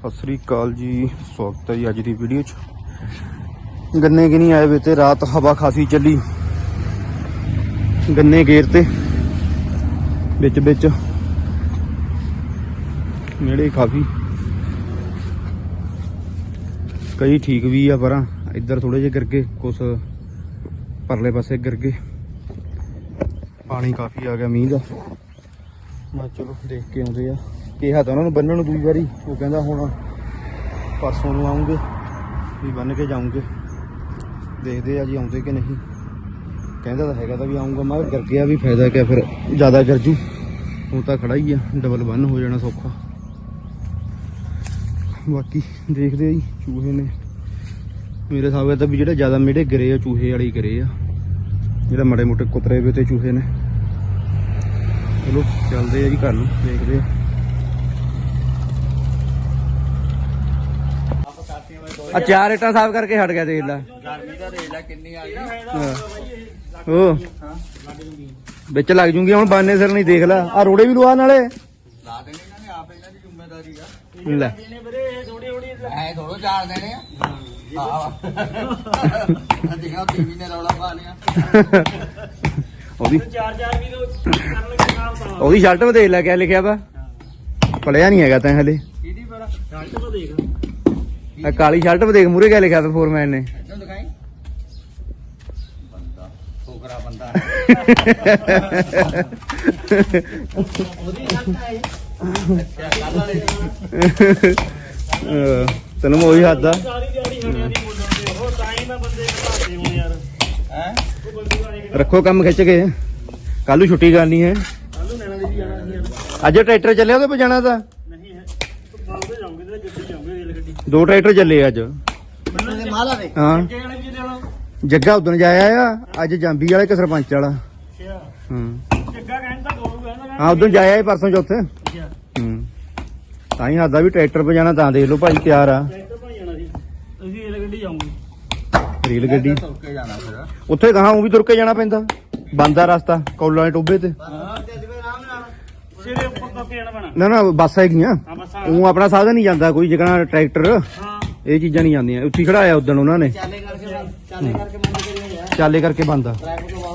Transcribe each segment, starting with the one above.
ਸਤਿ ਸ੍ਰੀ ਅਕਾਲ ਜੀ, ਸਵਾਗਤ ਹੈ ਜੀ ਅੱਜ ਦੀ ਵੀਡੀਓ 'ਚ। ਗੰਨੇ ਕਿ ਨਹੀਂ ਆਏ ਵੇ ਤੇ ਰਾਤ ਹਵਾ ਖਾਸੀ ਚੱਲੀ, ਗੰਨੇ ਗੇਰ ਤੇ ਵਿੱਚ ਵਿੱਚ ਨੇੜੇ ਕਾਫੀ ਕਈ ਠੀਕ ਵੀ ਆ, ਪਰ ਇੱਧਰ ਥੋੜੇ ਜਿਹੇ ਕਰਕੇ ਕੁਛ ਪਰਲੇ ਪਾਸੇ ਕਰਕੇ ਪਾਣੀ ਕਾਫੀ ਆ ਗਿਆ ਮੀਂਹ ਦਾ। ਮੈਂ ਚਲੋ ਦੇਖ ਕੇ ਆਉਂਦੇ ਆ। ਕਿਹਾ ਤਾਂ ਉਹਨਾਂ ਨੂੰ ਬੰਨਣ ਨੂੰ ਦੂਜੀ ਵਾਰੀ, ਉਹ ਕਹਿੰਦਾ ਹੁਣ ਪਰਸੋਂ ਨੂੰ ਆਉਂਗੇ ਵੀ ਬੰਨ ਕੇ ਜਾਉਂਗੇ। ਦੇਖਦੇ ਆ ਜੀ ਆਉਂਦੇ ਕਿ ਨਹੀਂ। ਕਹਿੰਦਾ ਤਾਂ ਹੈਗਾ ਤਾਂ ਵੀ ਆਉਂਗਾ, ਮੈਂ ਕਿਹਾ ਗਰ ਗਿਆ ਵੀ ਫਾਇਦਾ ਕਿਆ, ਫਿਰ ਜ਼ਿਆਦਾ ਗਰਜੂ। ਹੁਣ ਤਾਂ ਖੜਾ ਹੀ ਆ, ਡਬਲ ਬੰਨ ਹੋ ਜਾਣਾ ਸੌਖਾ। ਬਾਕੀ ਦੇਖਦੇ ਆ ਜੀ। ਚੂਹੇ ਨੇ ਮੇਰੇ ਹਿਸਾਬ ਨਾਲ ਤਾਂ ਵੀ ਜਿਹੜੇ ਜ਼ਿਆਦਾ ਮੇੜੇ ਗਿਰੇ ਆ ਚੂਹੇ ਵਾਲੇ ਗਿਰੇ ਆ, ਜਿਹੜਾ ਮਾੜੇ ਮੋਟੇ ਕੁਤਰੇ ਵੇ ਤੇ ਚੂਹੇ ਨੇ। ਚਲੋ ਚੱਲਦੇ ਆ ਜੀ ਘਰ ਨੂੰ, ਦੇਖਦੇ ਆ। ਆ 4 ਇੱਟਾਂ ਸਾਫ਼ ਕਰਕੇ ਹਟ ਗਿਆ, ਦੇਖ ਲੈ ਗਰਮੀ ਦਾ ਦੇਖ ਲੈ ਕਿੰਨੀ ਆ ਗਈ। ਉਹ ਵਿੱਚ ਲੱਗ ਜੂਗੀ ਹੁਣ, ਬਾਨੇ ਸਿਰ ਨਹੀਂ। ਦੇਖ ਲੈ ਆ ਰੋੜੇ ਵੀ ਲਵਾ ਨਾਲੇ ਲਾ ਦੇਣੇ ਇਹਨਾਂ ਨੇ, ਆਪ ਇਹਨਾਂ ਦੀ ਜ਼ਿੰਮੇਵਾਰੀ ਆ। ਲੈ ਐ ਥੋੜੋ ਚਾਰ ਦੇਣੇ ਆ। ਦੇਖਾ ਟੀਵੀ ਨੇ ਰੌਲਾ ਪਾ ਲਿਆ। ਉਹਦੀ ਉਹਦੀ ਸ਼ਰਟ ਤੇ ਦੇਖ ਲੈ ਕਿਆ ਲਿਖਿਆ ਵਾ, ਪੜਿਆ ਨਹੀਂ ਹੈਗਾ ਤੈਂ ਹਲੇ। ਕਿਹਦੀ ਬੜਾ ਸ਼ਰਟ ਤੋਂ ਦੇਖ, ਆ ਕਾਲੀ ਸ਼ਰਟ ਤੇ ਦੇਖ ਮੂਰੇ ਕਿਆ ਲਿਖਿਆ ਵਾ ਫੋਰਮੈਨ ਨੇ। ਇੱਧਰ ਦਿਖਾਈ, ਬੰਦਾ ਠੋਕਰਾ ਬੰਦਾ। ਉਹਦੀ ਸ਼ਰਟ ਹੈ ਅੱਛਾ ਕੱਲ ਵਾਲੇ ਤੈਨੂੰ ਮੈਂ ਉਹੀ ਹੱਦ ਆ। ਰੱਖੋ ਕੰਮ ਖਿੱਚ ਕੇ, ਕੱਲ ਨੂੰ ਛੁੱਟੀ ਕਰਨੀ ਹੈ। ਅੱਜ ਟਰੈਕਟਰ ਚੱਲਿਆ ਉਹਦੇ ਪੇ ਜਾਣਾ ਤਾਂ 2 ਟਰੈਕਟਰ ਚੱਲੇ ਅੱਜ। ਹਾਂ ਜੱਗਾ ਉਦਣ ਜਾਇਆ ਆ, ਅੱਜ ਜਾਂਬੀ ਵਾਲਾ ਇੱਕ ਸਰਪੰਚ ਵਾਲਾ। ਹਾਂ ਉਦਣ ਜਾਇਆ ਪਰਸੋਂ ਚੌਥੇ। ਤਾਂ ਹੀ ਹੱਦਾ ਵੀ ਟਰੈਕਟਰ ਪੇ ਜਾਣਾ, ਤਾਂ ਦੇਖ ਲਓ ਭਾਈ ਤਿਆਰ ਆ। ਰੇਲ ਗੱਡੀ ਤੁਰ ਕੇ ਜਾਣਾ ਫਿਰ। ਉੱਥੇ ਕਹਾਂ ਉਹ ਵੀ ਤੁਰ ਕੇ ਜਾਣਾ ਪੈਂਦਾ, ਬੰਦ ਆ ਰਸਤਾ ਕੌਲਾਂ ਦੇ ਟੋਭੇ ਤੇ। ਨਾ ਨਾ ਬੱਸ ਹੈਗੀਆਂ, ਉਹ ਆਪਣਾ ਸਾਧਨ ਨਹੀਂ ਜਾਂਦਾ ਕੋਈ, ਜਿਕਣਾ ਟਰੈਕਟਰ ਇਹ ਚੀਜ਼ਾਂ ਨਹੀਂ ਜਾਂਦੀਆਂ। ਉੱਥੇ ਖੜਾਇਆ ਉਦਣ ਉਹਨਾਂ ਨੇ, ਚਾਲੇ ਕਰਕੇ ਬੰਦ ਆ।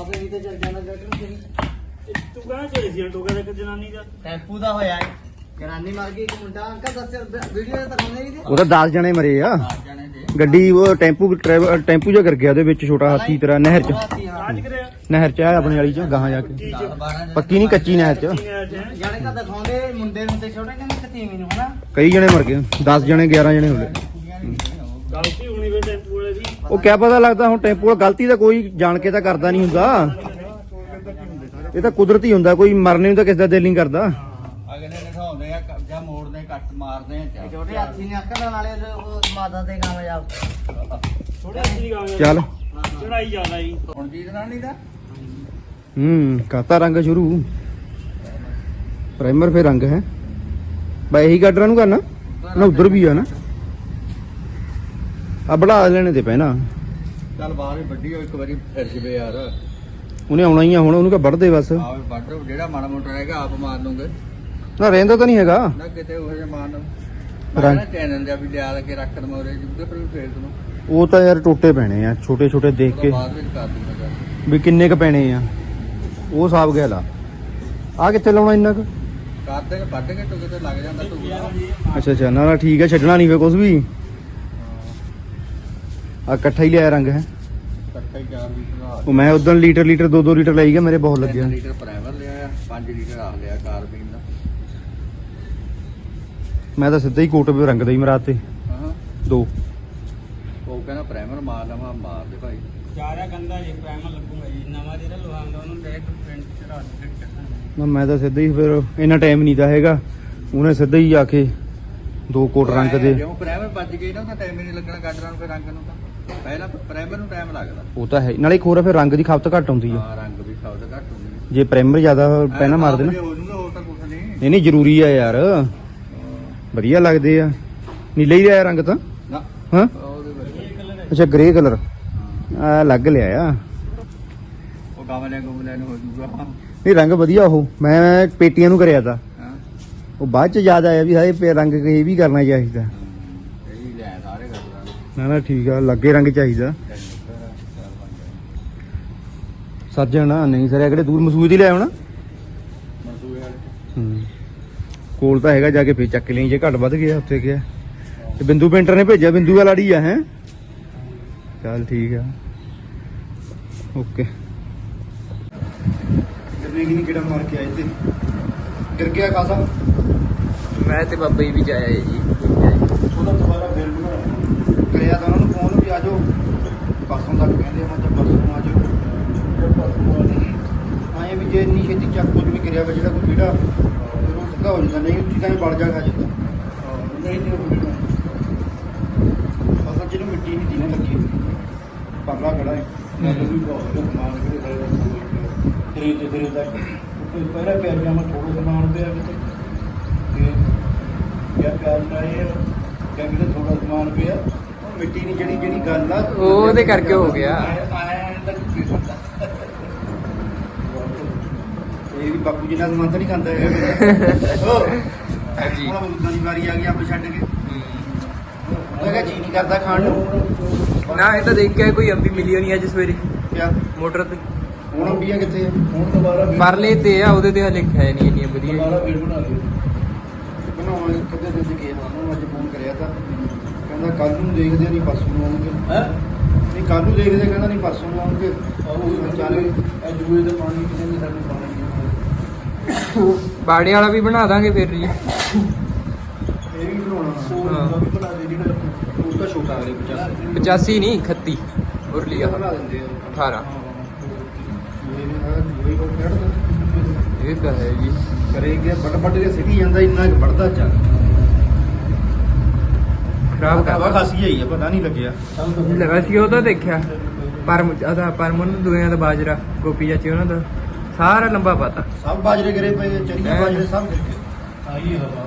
ਟੈਂਪੂ ਦਾ ਹੋਇਆ ਜਨਾਨੀ ਮਰ ਗਈ, ਇੱਕ ਮੁੰਡਾ ਅੰਕਲ ਦੱਸਿਆ ਵੀਡੀਓ ਤੇ ਦਿਖਾਉਂਦੇ ਨਹੀਂ ਤੇ। ਉਹ ਤਾਂ 10 ਜਣੇ ਮਰੇ ਆ। ਗੱਡੀ ਉਹ ਟੈਂਪੂ ਜਿਹਾ ਕਰ ਗਿਆ, ਉਹਦੇ ਵਿੱਚ ਛੋਟਾ ਹਾਥੀ ਤਰ੍ਹਾਂ ਨਹਿਰ ਚ। ਨਹਿਰ ਚ ਆ ਆਪਣੇ ਵਾਲੀ ਚ ਗਾਹਾਂ ਜਾ ਕੇ, ਪੱਕੀ ਨਹੀਂ ਕੱਚੀ ਨਹਿਰ ਚ। ਜਾਣੇ ਤਾਂ ਦਿਖਾਉਂਦੇ ਮੁੰਡੇ ਨੂੰ ਤੇ ਛੋਟੇ ਕਹਿੰਦੇ ਕਤੀਵੀ ਨੂੰ ਹਨਾ। ਕਈ ਜਣੇ ਮਰ ਗਏ, 10 ਜਣੇ 11 ਜਣੇ ਹੋ ਗਏ। ਗਲਤੀ ਹੋਣੀ ਵੇ ਟੈਂਪੂ ਵਾਲੇ ਦੀ। ਉਹ ਕਿਆ ਪਤਾ ਲੱਗਦਾ ਹੁਣ ਟੈਂਪੂ ਵਾਲਾ ਗਲਤੀ ਤਾਂ ਕੋਈ ਜਾਣ ਕੇ ਤਾਂ ਕਰਦਾ ਨਹੀਂ ਹੁੰਦਾ, ਇਹ ਤਾਂ ਕੁਦਰਤੀ ਹੁੰਦਾ। ਕੋਈ ਮਰਨੇ ਨੂੰ ਤਾਂ ਕਿਸੇ ਦਾ ਦਿਲ ਨਹੀਂ ਕਰਦਾ। ਅਗਲੇ ਦਿਖਾਉਂਦੇ ਆ ਜਾਂ ਮੋੜਦੇ ਕੱਟ ਮਾਰਦੇ ਆ। ਛੋਟੇ ਹਾਥੀ ਨੇ ਅੱਕਣ ਵਾਲੇ ਉਹ ਮਾਤਾ ਦੇ ਕਾਮਯਾਬ। ਛੋਟੇ ਹਾਥੀ ਦੀ ਕਾਮਯਾਬ ਚੱਲ ਚੜਾਈ ਜ਼ਿਆਦਾ ਜੀ ਹੁਣ ਜੀ ਦਰਾਣੀ ਦਾ। ਕਾਤਾ ਰੰਗ ਸ਼ੁਰੂ, ਪ੍ਰਾਈਮਰ ਫੇ ਰੰਗ ਹੈ ਬਈ। ਇਹੀ ਗਾਡਰਾਂ ਨੂੰ ਕਰਨਾ ਨਾ, ਉਧਰ ਵੀ ਆ ਨਾ। ਆ ਬੜਾ ਲੈਣੇ ਤੇ ਪੈਣਾ। ਚੱਲ ਬਾਹਰ ਹੀ ਵੱਡੀ ਇੱਕ ਵਾਰੀ ਫਿਰ ਜਵੇ ਯਾਰ, ਉਹਨੇ ਆਉਣਾ ਹੀ ਆ ਹੁਣ। ਉਹਨੂੰ ਕਹ ਵੱਢ ਦੇ ਬਸ। ਆਹ ਵੱਢ, ਜਿਹੜਾ ਮਾੜਾ ਮੋਟਾ ਹੈਗਾ ਆਪ ਮਾਰ ਲੂੰਗੇ ਨਾ, ਰਹਿੰਦਾ ਤਾਂ ਨਹੀਂ ਹੈਗਾ ਨਾ ਕਿਤੇ ਉਹ ਜਿਹਾ ਮਾਰਨ। ਰੰਗ ਚੈਨਲ ਜਿਹਾ ਵੀ ਲਿਆ ਕੇ ਰੱਖ ਦਵਾਂ ਉਹਦੇ ਜਿੱਦੇ ਪਰ ਵੀ ਫੇਰ ਦਵਾਂ। ਉਹ ਤਾਂ ਯਾਰ ਟੋਟੇ ਪੈਣੇ ਆ ਛੋਟੇ ਛੋਟੇ, ਦੇਖ ਕੇ ਬਾਅਦ ਵਿੱਚ ਕਰ ਦੂੰਗਾ ਵੀ ਕਿੰਨੇ ਕ ਪੈਣੇ ਆ। ਉਹ ਹਿਸਾਬ ਗਿਆ ਲਾ। ਆ ਕਿੱਥੇ ਲਾਉਣਾ ਇੰਨਾ ਕੁ? ਕਰ ਦੇਗੇ ਵੱਢ ਕੇ ਟੁਕੇ ਤੇ ਲੱਗ ਜਾਂਦਾ ਤੂੰ। ਅੱਛਾ ਅੱਛਾ, ਨਾ ਠੀਕ ਹੈ, ਛੱਡਣਾ ਨਹੀਂ ਵੇ ਕੁਛ ਵੀ। ਆ ਇਕੱਠਾ ਹੀ ਲਿਆ ਰੰਗ ਹੈ। ਇਕੱਠਾ ਹੀ 4 ਲੀਟਰ ਉਹ ਮੈਂ ਉਦੋਂ ਲੀਟਰ 2 ਲੀਟਰ ਲਈ ਗਿਆ, ਮੇਰੇ ਬਹੁਤ ਲੱਗਿਆ। 3 ਲੀਟਰ ਪ੍ਰਾਈਮਰ ਲਿਆ, 5 ਲੀਟਰ ਆ ਲਿਆ ਕਾਰਬੀਨ ਦਾ। ਮੈਂ ਤਾਂ ਸਿੱਧਾ ਹੀ ਕੋਟ ਵੀ ਰੰਗ ਦਾ ਹੀ ਮਰਾ ਤੇ ਹਾਂ 2। ਉਹ ਕਹਿੰਦਾ ਪ੍ਰਾਈਮਰ ਮਾਰ ਲਵਾਂ, ਮਾਰ ਦੇ ਭਾਈ। ਚਾਰਿਆ ਗੰਦਾ ਜੀ ਪ੍ਰਾਈਮਰ ਲੱਗੂਗਾ ਜੀ, ਨਵਾਂ ਜਿਹੜਾ ਲਵਾਉਂਦਾ ਉਹਨੂੰ ਡਾਇਰੈਕਟ ਪ੍ਰਿੰਟ ਚੜਾ ਦੇ। ਮੈਂ ਤਾਂ ਸਿੱਧਾ ਹੀ, ਫਿਰ ਇੰਨਾ ਟਾਈਮ ਨਹੀਂ ਤਾਂ ਹੈਗਾ। ਉਹਨੇ ਸਿੱਧਾ ਹੀ ਆ ਕੇ 2 ਕੋਟ ਰੰਗ ਦੇ। ਜਿਉਂ ਪ੍ਰਾਈਮਰ ਵੱਜ ਗਈ ਨਾ, ਉਹਦਾ ਟਾਈਮ ਹੀ ਨਹੀਂ ਲੱਗਣਾ ਗਾਡਰਾਂ ਨੂੰ, ਫਿਰ ਰੰਗ ਨੂੰ ਤਾਂ ਪਹਿਲਾਂ ਪ੍ਰਾਈਮਰ ਨੂੰ ਟਾਈਮ ਲੱਗਦਾ। ਉਹ ਤਾਂ ਹੈ, ਨਾਲੇ ਇੱਕ ਹੋਰ ਫਿਰ ਰੰਗ ਦੀ ਖਪਤ ਘੱਟ ਹੁੰਦੀ ਆ। ਹਾਂ ਰੰਗ ਵੀ ਖਾਉਦਾ ਘੱਟ ਹੁੰਦੀ ਹੈ ਜੇ ਪ੍ਰਾਈਮਰ ਜ਼ਿਆਦਾ ਪਹਿਲਾਂ ਮਾਰਦੇ ਨਾ। ਹੋਰ ਤਾਂ ਕੁਝ ਨਹੀਂ। ਨਹੀਂ ਜ਼ਰੂਰੀ ਆ ਯਾਰ, ਵਧੀਆ ਲੱਗਦੇ ਆ। ਨੀਲਾ ਹੀ ਲਿਆ ਰੰਗ ਤਾਂ। ਨਾ ਹਾਂ ਉਹਦੇ ਵਿੱਚ ਅੱਛਾ, ਗ੍ਰੇ ਕਲਰ ਆ ਲੱਗ ਲਿਆ ਆ। ਉਹ ਗਮਲਿਆਂ ਨੂੰ ਹੋ ਜੂਗਾ। ਨਹੀਂ ਰੰਗ ਵਧੀਆ। ਉਹ ਮੈਂ ਪੇਟੀਆਂ ਨੂੰ ਕਰਿਆ ਤਾ, ਹਾਂ ਉਹ ਬਾਅਦ ਚ ਯਾਦ ਆਇਆ ਵੀ ਹਾਏ ਰੰਗ ਇਹ ਵੀ ਕਰਨਾ ਚਾਹੀਦਾ। ਨਾ ਠੀਕ ਆ, ਲੱਗੇ ਰੰਗ ਚਾਹੀਦਾ। ਸੱਜਣ ਨਹੀਂ ਸਰਿਆ ਕਿਹੜੇ ਦੂਰ ਮਸੂਦ ਹੀ ਲੈ ਆਉਣਾ। ਕੋਲ ਤਾਂ ਹੈਗਾ, ਜਾ ਕੇ ਫੇਰ ਚੱਕ ਲਈ ਜੇ ਘੱਟ ਵੱਧ ਗਿਆ ਉੱਥੇ ਗਿਆ। ਤੇ ਬਿੰਦੂ ਪੇਂਟਰ ਨੇ ਭੇਜਿਆ, ਬਿੰਦੂ ਵਾਲਾ ਲਾੜੀ ਆ ਹੈ। ਚੱਲ ਠੀਕ ਆ, ਓਕੇ। ਗਰਮੀ ਕਿੰਨੀ ਕਿਹੜਾ ਮਾਰ ਕੇ ਆਏ ਤੇ ਗਿਰ ਗਿਆ ਖਾਸਾ। ਮੈਂ ਤੇ ਬਾਬਾ ਜੀ ਵੀ ਜਾਇਆ ਜੀ। ਉਹਦਾ ਦੁਬਾਰਾ ਫੇਰ ਕਰਿਆ ਤਾਂ ਉਹਨਾਂ ਨੂੰ ਫੋਨ ਵੀ ਆ ਜਾਓ, ਪਰਸੋਂ ਤੱਕ ਕਹਿੰਦੇ ਮੈਂ ਜਦ ਪਰਸੋਂ ਆ ਜਾਓ। ਆਏ ਵੀ ਜੇ ਇੰਨੀ ਛੇਤੀ ਚੱਕ ਕੁਝ ਵੀ ਕਰਿਆ ਵਾ ਜਿਹੜਾ ਕੋਈ ਕੀੜਾ ਫਿਰ ਉਹ ਸਿੱਧਾ ਹੋ ਜਾਂਦਾ, ਨਹੀਂ ਉੱਚੀ ਤਾਂ ਬੜ ਜਾ ਖਾ ਜਾਂਦਾ। ਨਹੀਂ ਤੇ ਅਸਲ ਜਿਹਨੂੰ ਮਿੱਟੀ ਨਹੀਂ ਦੀਨੇ ਲੱਗੀ ਪਰਲਾ ਖੜਾ ਹੈ ਵੀ ਬਹੁਤ ਸਮਾਨ ਖਰੀਦ ਤੇ ਫਿਰ ਉਹਦਾ ਪਹਿਲਾਂ ਪਿਆਰ ਜਾਮਾ ਥੋੜਾ ਸਮਾਨ ਪਿਆ ਕਿਤੇ ਕਿਆ ਪਿਆਰ ਨਾਲ ਇਹ ਕਹਿੰਦੇ ਥੋੜਾ ਸਮਾਨ ਪਿਆ। ਉਹ ਮਿੱਟੀ ਨਹੀਂ ਜਿਹੜੀ ਗੱਲ ਆ ਉਹਦੇ ਕਰਕੇ ਹੋ ਗਿਆ। ਇਹ ਵੀ ਬਾਪੂ ਜੀ ਨਾਲ ਸਮਾਨ ਤਾਂ ਨਹੀਂ ਖਾਂਦਾ ਹੈਗਾ। ਹਾਂਜੀ ਹੁਣ ਉਦਾਂ ਦੀ ਵਾਰੀ ਆ ਗਈ ਆਪੇ ਛੱਡ ਕੇ। ਮੈਂ ਕਿਹਾ ਜੀ ਨਹੀਂ ਕਰਦਾ ਖਾਣ ਨੂੰ। ਨਾ ਇਹ ਤਾਂ ਦੇਖ ਕੇ ਕੋਈ ਅੰਬੀ ਮਿਲੀ ਹੋਣੀ ਅੱਜ ਸਵੇਰੇ ਕਿਆ ਮੋਟਰ ਤੇ। ਹੁਣ ਅੰਬੀਆਂ ਕਿੱਥੇ ਆ? ਹੁਣ ਦੁਬਾਰਾ ਪਰਲੇ ਤੇ ਆ, ਉਹਦੇ ਤੇ ਹਲੇ ਹੈ ਨਹੀਂ ਇੰਨੀਆਂ ਵਧੀਆ। ਫੇਰ ਬਣਾ ਲਿਓ। ਬਣਾਉਣ ਕਿਤੇ ਦਿਨ ਚ ਗਿਆ ਉਹਨੂੰ ਅੱਜ ਫੋਨ ਕਰਿਆ ਤਾਂ ਕਹਿੰਦਾ ਕੱਲ ਨੂੰ ਦੇਖਦੇ ਨਹੀਂ ਪਰਸੋਂ ਨੂੰ ਆਉਣਗੇ। ਨਹੀਂ ਕੱਲ ਨੂੰ ਦੇਖਦੇ, ਕਹਿੰਦਾ ਨਹੀਂ ਪਰਸੋਂ ਨੂੰ ਆਉਣਗੇ। ਚੱਲ ਜੂਏ ਦਾ ਪਾਣੀ ਕਿਤੇ ਨਹੀਂ ਸਾਨੂੰ ਪਾਣੀ ਬਾੜੇ ਵਾਲਾ ਵੀ ਬਣਾ ਦਾਂਗੇ ਫਿਰ ਜੀ। ਇਹ ਵੀ ਬਣਾਉਣਾ ਉਹ ਵੀ ਬਣਾ ਦੇ ਜਿਹੜਾ ਉਹ ਤਾਂ ਛੋਟਾ ਕਰੇ 85 ਨਹੀਂ 31 ਉਰਲੀ ਆ ਬਣਾ ਦਿੰਦੇ ਆ 18 ਇਹ ਇਹ ਤਾਂ ਹੈ ਜੀ। ਕਰੇ ਗਿਆ ਵੱਡ ਕੇ ਸਿੱਟੀ ਜਾਂਦਾ, ਇੰਨਾ ਕੁ ਵੱਢਦਾ ਚੱਲ ਖਰਾਬ ਹਵਾ ਕਰ ਖਾਸੀ ਆਈ ਆ, ਪਤਾ ਨਹੀਂ ਲੱਗਿਆ। ਲਗਾ ਸੀ ਉਹ ਤਾਂ ਦੇਖਿਆ ਪਰਮਨ ਨੂੰ ਦੁਨੀਆ ਦਾ ਬਾਜਰਾ ਗੋਪੀ ਚਾਚੀ ਉਹਨਾਂ ਦਾ ਸਾਰਾ ਲੰਬਾ ਪਤਾ ਸਭ ਬਾਜਰੇ ਗਿਰੇ ਪਏ, ਚਰੀਆਂ ਬਾਜਰੇ ਸਭ ਗਿਰ ਗਏ। ਆਈ ਹਵਾ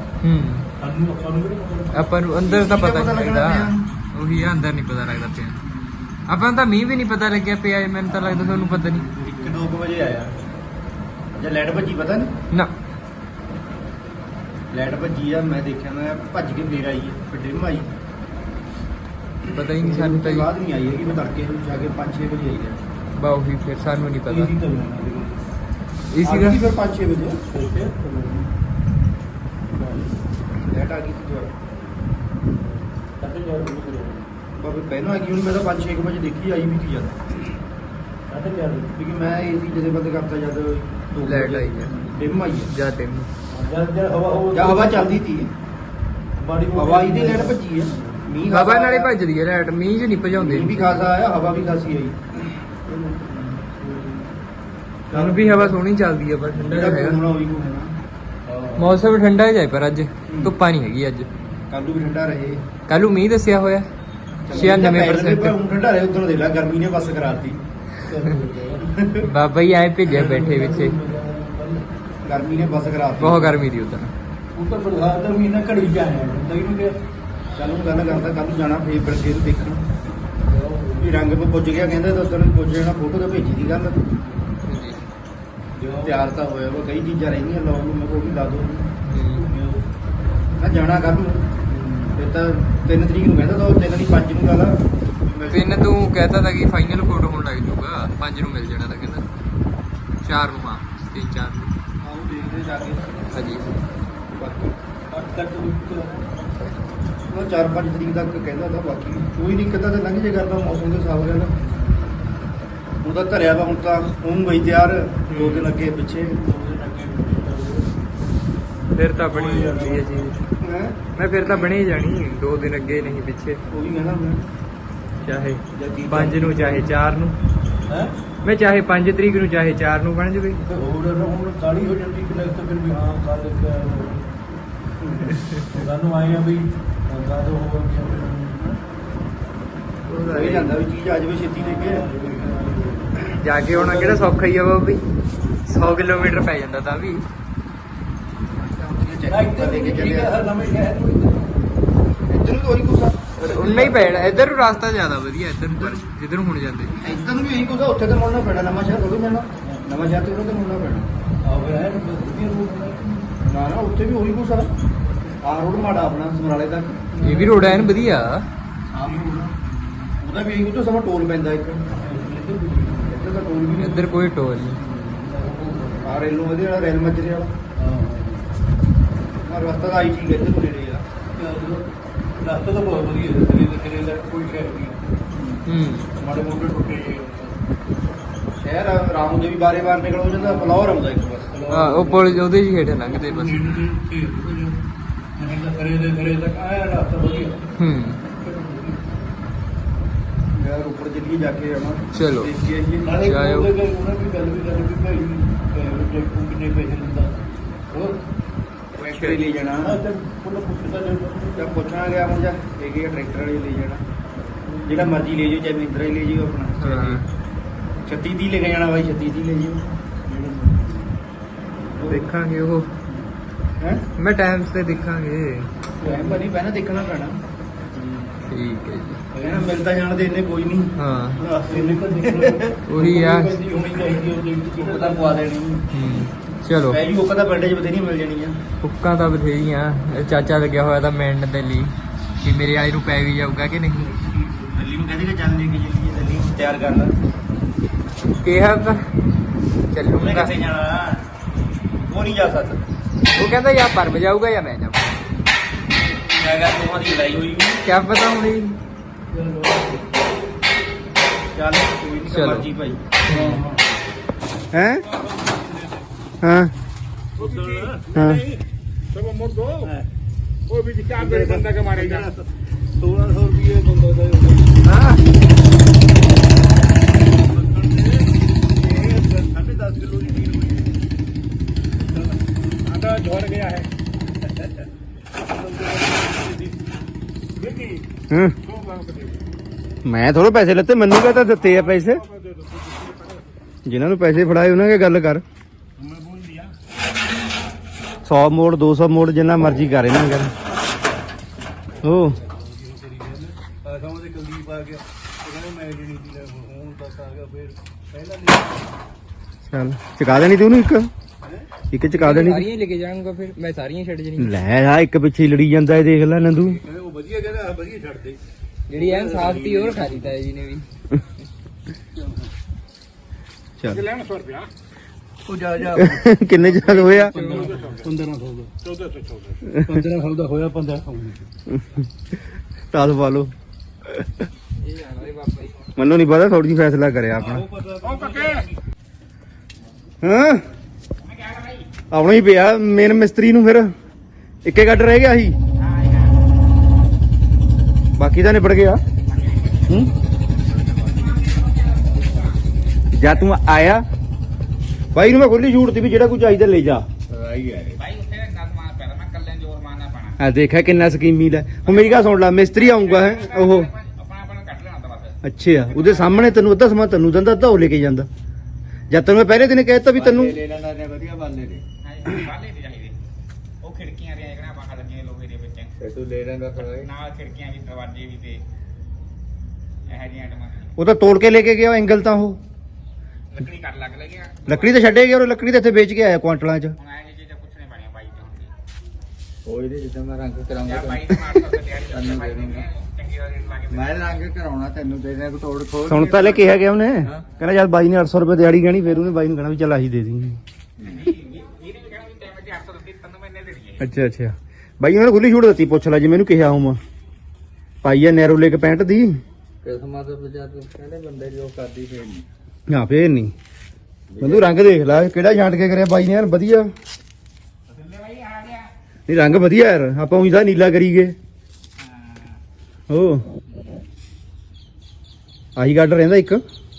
ਆਪਾਂ ਨੂੰ ਅੰਦਰ ਤਾਂ ਕੀ ਦਾ ਪਤਾ ਪਤਾ ਨਹੀਂ ਲੱਗਣਾ ਲੱਗਦਾ। ਉਹੀ ਆ, ਅੰਦਰ ਨਹੀਂ ਪਤਾ ਲੱਗਦਾ ਪਿਆ। ਆਪਾਂ ਨੂੰ ਤਾਂ ਮੀਂਹ ਵੀ ਨਹੀਂ ਪਤਾ ਲੱਗਿਆ ਪਿਆ। ਮੈਨੂੰ ਤਾਂ ਲੱਗਦਾ ਤੁਹਾਨੂੰ ਪਤਾ ਨਹੀਂ। 1-2 ਵਜੇ ਆਇਆ ਜਾਂ ਲਾਈਟ ਭੱਜੀ, ਪਤਾ ਨਹੀਂ ਨਾ ਲਾਈਟ ਭੱਜੀ ਆ। ਮੈਂ ਦੇਖਿਆ, ਮੈਂ ਭੱਜ ਕੇ ਫੇਰ ਆਈ ਫਿਰ ਡਿਮ ਆਈ। ਪਤਾ ਹੀ ਨਹੀਂ ਸਾਨੂੰ ਤਾਂ ਜੀ। ਬਾਅਦ ਨਹੀਂ ਆਈ ਹੈਗੀ, ਮੈਂ ਤੜਕੇ ਨੂੰ ਜਾ ਕੇ 5-6 ਵਜੇ ਆਈ ਹੈ। ਬਾ ਉਹੀ ਫਿਰ ਸਾਨੂੰ ਨਹੀਂ ਪਤਾ। ਇਹ ਸੀਗਾ ਫਿਰ 5-6 ਵਜੇ ਲਾਈਟ ਆ ਗਈ ਸੀ ਦੁਆਰਾ। ਬਾਬੇ ਪਹਿਲਾਂ ਆ ਗਈ, ਹੁਣ ਮੈਂ ਤਾਂ 5-6 ਵਜੇ ਦੇਖੀ ਆਈ ਵੀ ਕੀ ਜ਼ਿਆਦਾ। ਕਿਉਂਕਿ ਮੈਂ ਏਸੀ ਜਦੋਂ ਬੰਦ ਕਰਤਾ ਜਦ ਲਾਈਟ ਆਈ ਹੈ ਡਿਮ ਆਈ ਹੈ ਜਾਂ ਟਿਮ ਜਾਂ ਹਵਾ ਚੱਲਦੀ ਸੀ। ਹਵਾ ਇਹਦੀ ਲਾਈਟ ਭੱਜੀ ਹੈ। ਮੀਂਹ ਹਵਾ ਖਾਸਾ ਨਾਲੇ ਆਇਆ। ਭੱਜਦੀ ਹੈ ਲਾਈਟ, ਮੀਂਹ 'ਚ ਨਹੀਂ ਭਜਾਉਂਦੇ। ਮੀਂਹ ਵੀ ਖਾਸਾ ਆਇਆ, ਹਵਾ ਵੀ ਖਾਸੀ ਆਈ। ਹੁਣ ਵੀ ਹਵਾ ਸੋਹਣੀ ਚੱਲਦੀ ਹੈ ਪਰ ਠੰਡਾ ਜਿਹੜਾ ਹੈਗਾ। ਘੁੰਮਣਾ ਉਹੀ ਘੁੰਮਣਾ। ਮੌਸਮ ਠੰਡਾ ਜਾਏ ਪਰ ਅੱਜ ਧੁੱਪਾਂ ਨਹੀਂ ਹੈਗੀ। ਅੱਜ ਕੱਲ ਨੂੰ ਵੀ ਠੰਡਾ ਰਹੇ। ਕੱਲ ਨੂੰ ਮੀਂਹ ਦੱਸਿਆ ਹੋਇਆ 96%। ਹੁਣ ਠੰਡਾ ਰਹੇ, ਉਦੋਂ ਦੇ ਲਾ ਗਰਮੀ ਨੇ ਬਸ ਕਰਾਤੀ। ਬਾਬਾ ਜੀ ਆਏ ਭੇਜਿਆ ਬੈਠੇ ਵਿੱਚੇ। ਗਰਮੀ ਨੇ ਬਸ ਕਰਾਤੀ। ਬਹੁਤ ਗਰਮੀ ਦੀ ਉਦੋਂ। ਉੱਤਰ ਬਰਸਾਤ ਦਾ ਮਹੀਨਾ ਘੜੀ ਚ ਆਇਆ ਹੁੰਦਾ ਇਹਨੂੰ ਕਿ ਚੱਲ ਨੂੰ ਗੱਲ ਕਰਦਾ, ਕੱਲ ਨੂੰ ਜਾਣਾ ਫੇਰ ਬਰਸੇ ਨੂੰ ਦੇਖਣ ਵੀ ਰੰਗ ਪੇ ਪੁੱਜ ਗਿਆ। ਕਹਿੰਦੇ ਤਾਂ ਉਦੋਂ ਪੁੱਜ ਜਾਣਾ, ਫੋਟੋ ਤਾਂ ਭੇਜੀ ਦੀ ਗੱਲ। ਤਿਆਰ ਤਾਂ ਹੋਇਆ ਵਾ, ਕਈ ਚੀਜ਼ਾਂ ਰਹਿੰਦੀਆਂ ਲਾਉਣ ਨੂੰ, ਮੈਂ ਕਿਹਾ ਉਹ ਵੀ ਲਾ ਦੋ। ਮੈਂ ਜਾਣਾ ਕੱਲ ਨੂੰ, ਫਿਰ ਤਾਂ 3 ਤਰੀਕ ਨੂੰ ਕਹਿੰਦਾ ਤਾਂ 3 ਨਹੀਂ 5 ਨੂੰ ਲਾ ਲਾ। ਤਿੰਨ ਤੂੰ ਕਹਿਤਾ ਤਾਂ ਕਿ ਫਾਈਨਲ ਕੋਡ ਹੋਣ ਲੱਗ ਜੂਗਾ, 5 ਨੂੰ ਮਿਲ ਜਾਣਾ ਤਾਂ ਕਹਿੰਦਾ 4 ਨੂੰ। ਹਾਂ 3-4 ਨੂੰ। ਆਉਂ ਦੇਖਦੇ ਜਾ ਕੇ ਹਾਂਜੀ ਬਾਕੀ 8 ਤੱਕ ਉਹ 4-5 ਤਰੀਕ ਤੱਕ ਕਹਿੰਦਾ ਤਾਂ, ਬਾਕੀ ਕੋਈ ਨਹੀਂ ਕਿੱਦਾਂ ਤਾਂ ਲੰਘ ਜੇ ਕਰਦਾ ਮੌਸਮ ਦੇ ਹਿਸਾਬ ਨਾਲ। ਉਹਦਾ ਧਰਿਆ ਵਾ ਹੁਣ ਤਾਂ ਹੁਣ ਬਈ ਤਿਆਰ 2 ਦਿਨ ਅੱਗੇ ਪਿੱਛੇ। ਫਿਰ ਤਾਂ ਬਣੀ ਜਾਂਦੀ ਹੈ ਚੀਜ਼। ਮੈਂ ਮੈਂ ਫਿਰ ਤਾਂ ਬਣੀ ਜਾਣੀ 2 ਦਿਨ ਅੱਗੇ ਨਹੀਂ ਪਿੱਛੇ, ਉਹ ਵੀ ਕਹਿੰਦਾ ਮੈਂ ਚਾਹੇ 5 ਨੂੰ ਚਾਹੇ 4 ਨੂੰ। ਮੈਂ ਚਾਹੇ 5 ਤਰੀਕ ਨੂੰ ਚਾਹੇ 4 ਨੂੰ ਬਣ ਜਵੇ। ਹੋਰ ਹੁਣ ਕਾਲੀ ਹੋ ਜਾਂਦੀ ਕਿ ਲੱਗਦਾ ਫਿਰ ਵੀ ਹਾਂ ਕੱਲ ਸਾਨੂੰ ਆਏ ਆ ਵੀ ਕਦ ਹੋ ਗਿਆ ਜਾਂਦਾ ਵੀ ਚੀਜ਼ ਆ ਜਾਵੇ ਛੇਤੀ ਲੈ ਕੇ। ਜਾ ਕੇ ਆਉਣਾ ਕਿਹੜਾ ਸੌਖਾ ਹੀ ਆ ਬਾਬਾ ਵੀ, 100 ਕਿਲੋਮੀਟਰ ਪੈ ਜਾਂਦਾ ਤਾਂ ਵੀ। ਇੱਧਰ ਨੂੰ ਤਾਂ ਉਹੀ ਕੁਛ ਆ। ਉਨਾ ਹੀ ਪੈਣਾ ਇੱਧਰ ਨੂੰ, ਰਸਤਾ ਜ਼ਿਆਦਾ ਵਧੀਆ ਇੱਧਰ ਨੂੰ, ਪਰ ਜਿੱਧਰ ਨੂੰ ਹੁਣ ਜਾਂਦੇ ਇੱਧਰ ਨੂੰ ਵੀ ਇਹੀ ਕੁਛ ਆ। ਉੱਥੇ ਤਾਂ ਮੁੜਨਾ ਪੈਣਾ, ਨਵਾਂ ਸ਼ਹਿਰ ਥੋੜ੍ਹੀ ਮਿਲਣਾ। ਨਵਾਂ ਸ਼ਹਿਰ ਤੇ ਉਹਨਾਂ ਤੇ ਮੁੜਨਾ ਪੈਣਾ। ਨਾ ਉੱਥੇ ਵੀ ਉਹੀ ਕੁਛ ਆ। ਆਹ ਰੋਡ ਮਾੜਾ ਆਪਣਾ ਸਮਰਾਲੇ ਤੱਕ। ਇਹ ਵੀ ਰੋਡ ਐਨ ਵਧੀਆ। ਉਹਦਾ ਵੀ ਉਹ ਤੋਂ ਸਮਾਂ ਟੋਲ ਪੈਂਦਾ ਇੱਕ ਇੱਧਰ ਦਾ ਟੋਲ ਵੀ ਇੱਧਰ ਕੋਈ ਟੋਲ ਨਹੀਂ। ਆ ਰੇਲੋਂ ਇਹਦੇ ਵਾਲਾ ਰੇਲ ਮੱਜਰੇ ਵਾਲਾ ਆ ਰਸਤਾ ਦਾ ਆਈ ਠੀਕ ਹੈ ਇੱਧਰ ਨੂੰ ਨੇੜੇ ਆ ਰਸਤਾ ਤਾਂ ਬਹੁਤ ਵਧੀਆ ਹੈ ਤੇਰੇ ਦਾ ਕੋਈ ਸ਼ਹਿਰ ਨਹੀਂ ਮਾੜੇ ਮੋਟੇ ਟੁੱਟੇ ਸ਼ਹਿਰ ਰਾਮੂ ਦੇ ਵੀ ਬਾਰੇ ਬਾਰ ਨਿਕਲ ਹੋ ਜਾਂਦਾ ਫਲੋਰ ਆਉਂਦਾ ਇੱਕ ਬਸ ਹਾਂ ਉਹ ਪੁਲ ਉਹਦੇ ਹੀ ਹੇਠ ਲੰਘਦੇ ਬਸ। ਕਰੇ ਤੱਕ ਆਇਆ ਰਸਤਾ ਵਧੀਆ ਯਾਰ ਉੱਪਰ ਚੱਲੀਏ ਜਾ ਕੇ ਆਉਣਾ ਚਲੋ ਨਾਲੇ ਜਾਇਓ। ਉਹਨਾਂ ਦੀ ਗੱਲ ਵੀ ਭਾਈ ਟੈਕੂ ਕਿੰਨੇ ਪੈਸੇ ਦਿੰਦਾ ਹੋਰ ਟਰੈਕਟਰ ਲੈ ਜਾਣਾ ਫੁੱਲ ਪੁੱਛਦਾ ਜਾਂ ਪੁੱਛਣਾ ਗਿਆ ਹੁਣ ਜਾਂ ਇਹ ਟਰੈਕਟਰ ਵਾਲੇ ਲੈ ਜਾਣਾ ਜਿਹੜਾ ਮਰਜ਼ੀ ਲੈ ਜਾਓ ਚਾਹੇ ਮਹਿੰਦਰਾ ਹੀ ਲੈ ਜਾਓ ਆਪਣਾ ਹਾਂ 36 ਦੀ ਲੈ ਕੇ ਜਾਣਾ ਬਾਈ 36 ਦੀ ਲੈ ਜਾਓ ਦੇਖਾਂਗੇ ਉਹ ਹੈ ਮੈਂ ਟਾਈਮ ਤੇ ਦੇਖਾਂਗੇ। ਟਾਈਮ ਬਣੀ ਪਹਿਲਾਂ ਦੇਖਣਾ ਪੈਣਾ ਠੀਕ ਹੈ ਜੀ। ਕਹਿਣਾ ਮਿਲਦਾ ਜਾਣ ਦੇ ਇੰਨੇ ਕੋਈ ਨਹੀਂ ਹਾਂ ਰਸਤੇ ਨਿਕਲ ਨਿਕਲ ਉਹੀ ਆ। ਹੋਣੀ ਚਾਹੀਦੀ ਉਹਦੇ ਚੁੱਪ ਤਾਂ ਪਵਾ ਦੇਣੀ ਚਲੋ ਪੈ ਜੂ ਉਹ ਤਾਂ ਪਿੰਡ 'ਚ ਬਥੇਰੀ ਮਿਲ ਜਾਣੀ ਆ ਹੁੱਕਾਂ ਤਾਂ ਬਥੇਰੀਆਂ। ਇਹ ਚਾਚਾ ਲੱਗਿਆ ਹੋਇਆ ਤਾਂ ਮਿਲਣ ਦੇ ਲਈ ਕਿ ਮੇਰੇ ਵਾਲੇ ਨੂੰ ਪੈ ਵੀ ਜਾਊਗਾ ਕਿ ਨਹੀਂ। ਦਿੱਲੀ ਨੂੰ ਕਹਿੰਦੇ ਕਿ ਚੱਲ ਲੈ ਕੇ ਚੱਲੀਏ ਦਿੱਲੀ ਤਿਆਰ ਕਰ ਲੈ ਕਿਹਾ ਤਾਂ ਉਹਨੇ ਚੱਲੂਗਾ। ਕਿੱਥੇ ਜਾਣਾ ਉਹ ਨਹੀਂ ਜਾ ਸਕਦਾ ਉਹ ਕਹਿੰਦਾ ਜਾਂ ਪਰਮ ਜਾਊਗਾ ਜਾਂ ਮੈਂ ਜਾਊਗਾ। ਮੈਂ ਕਿਹਾ ਦੋਹਾਂ ਦੀ ਲੜਾਈ ਹੋਈ ਕਿਆ ਪਤਾ ਹੁਣੀ। ਚੱਲ ਕੋਈ ਨਹੀਂ ਚਲੋ। ਮਰਜੀ ਭਾਈ ਹੈ ਹਾਂ ਹਾਂ ਸਭ ਮੋੜ ਦੋ ਉਹ ਵੀ ਕਿਆ ਬੜੇ ਬੰਦਾ ਕਾ ਮਾਰੇਗਾ 1600 ਰੁਪਏ ਬੰਦਾ ਦਾ ਹਾਂ 10.5 ਕਿਲੋ ਦੀ ਆਟਾ ਝੜ ਗਿਆ ਹੈ ਦੇਖੀ ਹਾਂ ਮੈਂ ਥੋੜੇ ਪੈਸੇ ਲੱਤੇ ਮੈਨੂੰ ਕਹਤਾ ਦਿੱਤੇ ਆ ਪੈਸੇ ਜਿਨ੍ਹਾਂ ਨੂੰ ਪੈਸੇ ਫੜਾਏ ਉਹਨਾਂ ਕੇ ਗੱਲ ਕਰ मैं बोल दिया 100 ਮੋੜ 200 ਮੋੜ ਜਿੰਨਾ ਮਰਜ਼ੀ ਕਰ ਇਹਨਾਂ ਕਰ ਉਹ ਆਸਾਂ ਦੇ ਕੁਲਦੀਪ ਆ ਗਿਆ ਕਹਿੰਦਾ ਮੈਂ ਜਿਹੜੀ ਦੀ ਹੁਣ ਤੱਕ ਆ ਗਿਆ ਫਿਰ ਪਹਿਲਾਂ ਨਹੀਂ ਚੱਲ ਚੁਕਾ ਦੇਣੀ ਤੂੰ ਉਹਨੂੰ ਇੱਕ ਚੁਕਾ ਦੇਣੀ ਸਾਰੀਆਂ ਲੈ ਕੇ ਜਾਊਂਗਾ ਫਿਰ ਮੈਂ ਸਾਰੀਆਂ ਛੱਡ ਜਣੀ। ਲੈ ਆ ਇੱਕ ਪਿੱਛੇ ਹੀ ਲੜੀ ਜਾਂਦਾ ਇਹ ਦੇਖ ਲੈ ਨੰਦੂ ਕਹਿੰਦੇ ਉਹ ਵਧੀਆ ਕਹਿੰਦਾ ਵਧੀਆ ਛੱਡ ਦੇ ਜਿਹੜੀ ਐਨ ਸਾਫ ਤੀ ਹੋਰ ਖਾ ਦਿੱਤਾ ਜੀ ਨੇ ਵੀ। ਚੱਲ ਲੈਣ 100 ਰੁਪਿਆ ਉਹ ਜਾ ਕਿੰਨੇ ਜਗ ਹੋਇਆ 1500 ਦਾ 1400 ਦਾ ਹੋਇਆ 1500 10 ਪਾ ਲਓ ਇਹ ਜਾਣਾ ਰੇ ਬਾਬਾ ਜੀ। ਮੈਨੂੰ ਨਹੀਂ ਪਤਾ ਥੋੜੀ ਜਿਹੀ ਫੈਸਲਾ ਕਰਿਆ ਆਪਣਾ ਉਹ ਪੱਕੇ ਹਾਂ ਆਉਣਾ ਹੀ ਪਿਆ ਮੇਨ ਮਿਸਤਰੀ ਨੂੰ ਫਿਰ ਇੱਕੇ ਗੱਡ ਰਹਿ ਗਿਆ ਸੀ ਬਾਕੀ ਤਾਂ ਨਿਬੜ ਗਿਆ ਜਾਂ ਤੂੰ ਆਇਆ ਬਾਈ ਨੂੰ ਮੈਂ ਖੁੱਲੀ ਛੂਟ ਤੀ ਵੀ ਜਿਹੜਾ ਕੁਝ ਚਾਹੀਦਾ ਲੈ ਜਾ ਆਈ ਹੈ ਭਾਈ ਉੱਥੇ ਗੱਲ ਮਾਰ ਪੈਣਾ ਮੈਂ ਕੱਲੇ ਜੋਰ ਮਾਰਨਾ ਪੈਣਾ। ਆ ਦੇਖਿਆ ਕਿੰਨਾ ਸਕੀਮੀ ਲੈ ਹੁਣ ਮੇਰੀ ਗੱਲ ਸੁਣ ਲੈ ਮਿਸਤਰੀ ਆਊਗਾ ਹੈ ਉਹ ਆਪਣਾ ਕੱਢ ਲੈਣਾ ਤਾਂ ਬਸ। ਅੱਛਾ ਉਹਦੇ ਸਾਹਮਣੇ ਤੈਨੂੰ ਅੱਧਾ ਸਮਾਂ ਤੈਨੂੰ ਦਿੰਦਾ ਅੱਧਾ ਉਹ ਲੈ ਕੇ ਜਾਂਦਾ ਜਦ ਤੈਨੂੰ ਮੈਂ ਪਹਿਲੇ ਦਿਨ ਕਹਿਤਾ ਵੀ ਤੈਨੂੰ ਲੈ ਲੈਣਾ ਨੇ ਵਧੀਆ ਬਾਲੇ ਦੇ ਬਾਲੇ ਤੇ ਚਾਹੀਦੇ ਉਹ ਖਿੜਕੀਆਂ ਦੇ ਜਿਹੜਾ ਬਾਹਰ ਲੱਗੀਆਂ ਲੋਹੇ ਦੇ ਵਿੱਚ ਤੇ ਤੂੰ ਲੈ ਲੈਂਦਾ ਫਿਰ ਨਾਲ ਖਿੜਕੀਆਂ ਵੀ ਦਰਵਾਜ਼ੇ ਵੀ ਤੇ ਇਹ ਜੀਆਂ ਆਈਟਮਾਂ ਉਹ ਤਾਂ ਤੋੜ ਕੇ ਲੈ ਕੇ ਗਿਆ ਐਂਗਲ ਤਾਂ ਉਹ ਲੱਕੜੀ ਕੱਟ ਲੱਗ ਲੱਗਿਆ। ਲੱਕੜੀ ਤਾਂ ਛੱਡੇ ਗਿਆ ਉਹ ਲੱਕੜੀ ਤਾਂ ਇੱਥੇ ਵੇਚ ਕੇ ਆਇਆ ਕੁਆਂਟਲਾਂ 'ਚ ਹੁਣ ਐ ਚੀਜ਼ਾਂ ਪੁੱਛਣੇ ਪੈਣੀਆਂ ਬਾਈ ਤੋਂ ਹੁੰਦੀ ਕੋਈ ਨਹੀਂ ਜਿੱਦਾਂ ਮੈਂ ਰੰਗ ਕਰਾਉਂਗਾ ਜਾਂ ਬਾਈ ਤੋਂ ਮਾਰ ਸਕਦਾ ਤਿਆਰੀ ਬਾਈ ਨੂੰ ਚੰਗੀ ਵਾਲੀ ਲਾ ਕੇ ਮੈਂ ਰੰਗ ਕਰਾਉਣਾ ਤੈਨੂੰ ਦੇ ਦੇ ਤੋੜ ਖੋਲ ਹੁਣ ਪਹਿਲੇ ਕਿਹਾ ਗਿਆ ਉਹਨੇ ਕਹਿੰਦਾ ਜਦ ਬਾਈ ਨੇ 800 ਰੁਪਏ ਦਿਹਾੜੀ ਗਣੀ ਫਿਰ ਉਹਨੇ ਬਾਈ ਨੂੰ ਕਹਿਣਾ ਵੀ ਚੱਲ ਆਹੀ ਦੇ ਦੀ ਇਹਨੇ ਵੀ ਕਹਿਣਾ ਵੀ ਟਾਈਮ ਤੇ 800 ਦਿੱਤੀ ਤੈਨੂੰ ਮੈਂ ਇੰਨੇ ਦੇਣੀ ਹੈ। ਅੱਛਾ ਬਾਈ ਉਹਨੇ ਖੁੱਲੀ ਛੂਟ ਦਿੱਤੀ ਪੁੱਛ ਲੈ ਜੀ ਮੈਨੂੰ ਕਿਹਾ ਹੂੰ ਪਾਈ ਆ ਨੈਰੋ ਲੈ ਕੇ 65 ਦੀ ਕਿਸਮਾਂ ਤੋਂ ਬਚਾ ਤੂੰ ਕਹਿੰਦੇ ਬੰਦੇ ਜੋ ਕਰਦੀ ਫੇਰ ਨਹੀਂ ਨਾ ਫੇਰ ਨਹੀਂ ਬੰਦੂ ਰੰਗ ਦੇਖ ਲੈ ਕਿਹੜਾ ਛਾਂਟ ਕੇ ਕਰਿਆ ਬਾਈ ਨੇ ਯਾਰ ਵਧੀਆ ਨਹੀਂ ਰੰਗ ਵਧੀਆ ਯਾਰ ਆਪਾਂ ਉਹਦਾ ਨੀਲਾ ਕਰੀਏ ਉਹ ਆਹੀ ਗੱਡ ਰਹਿੰਦਾ ਇੱਕ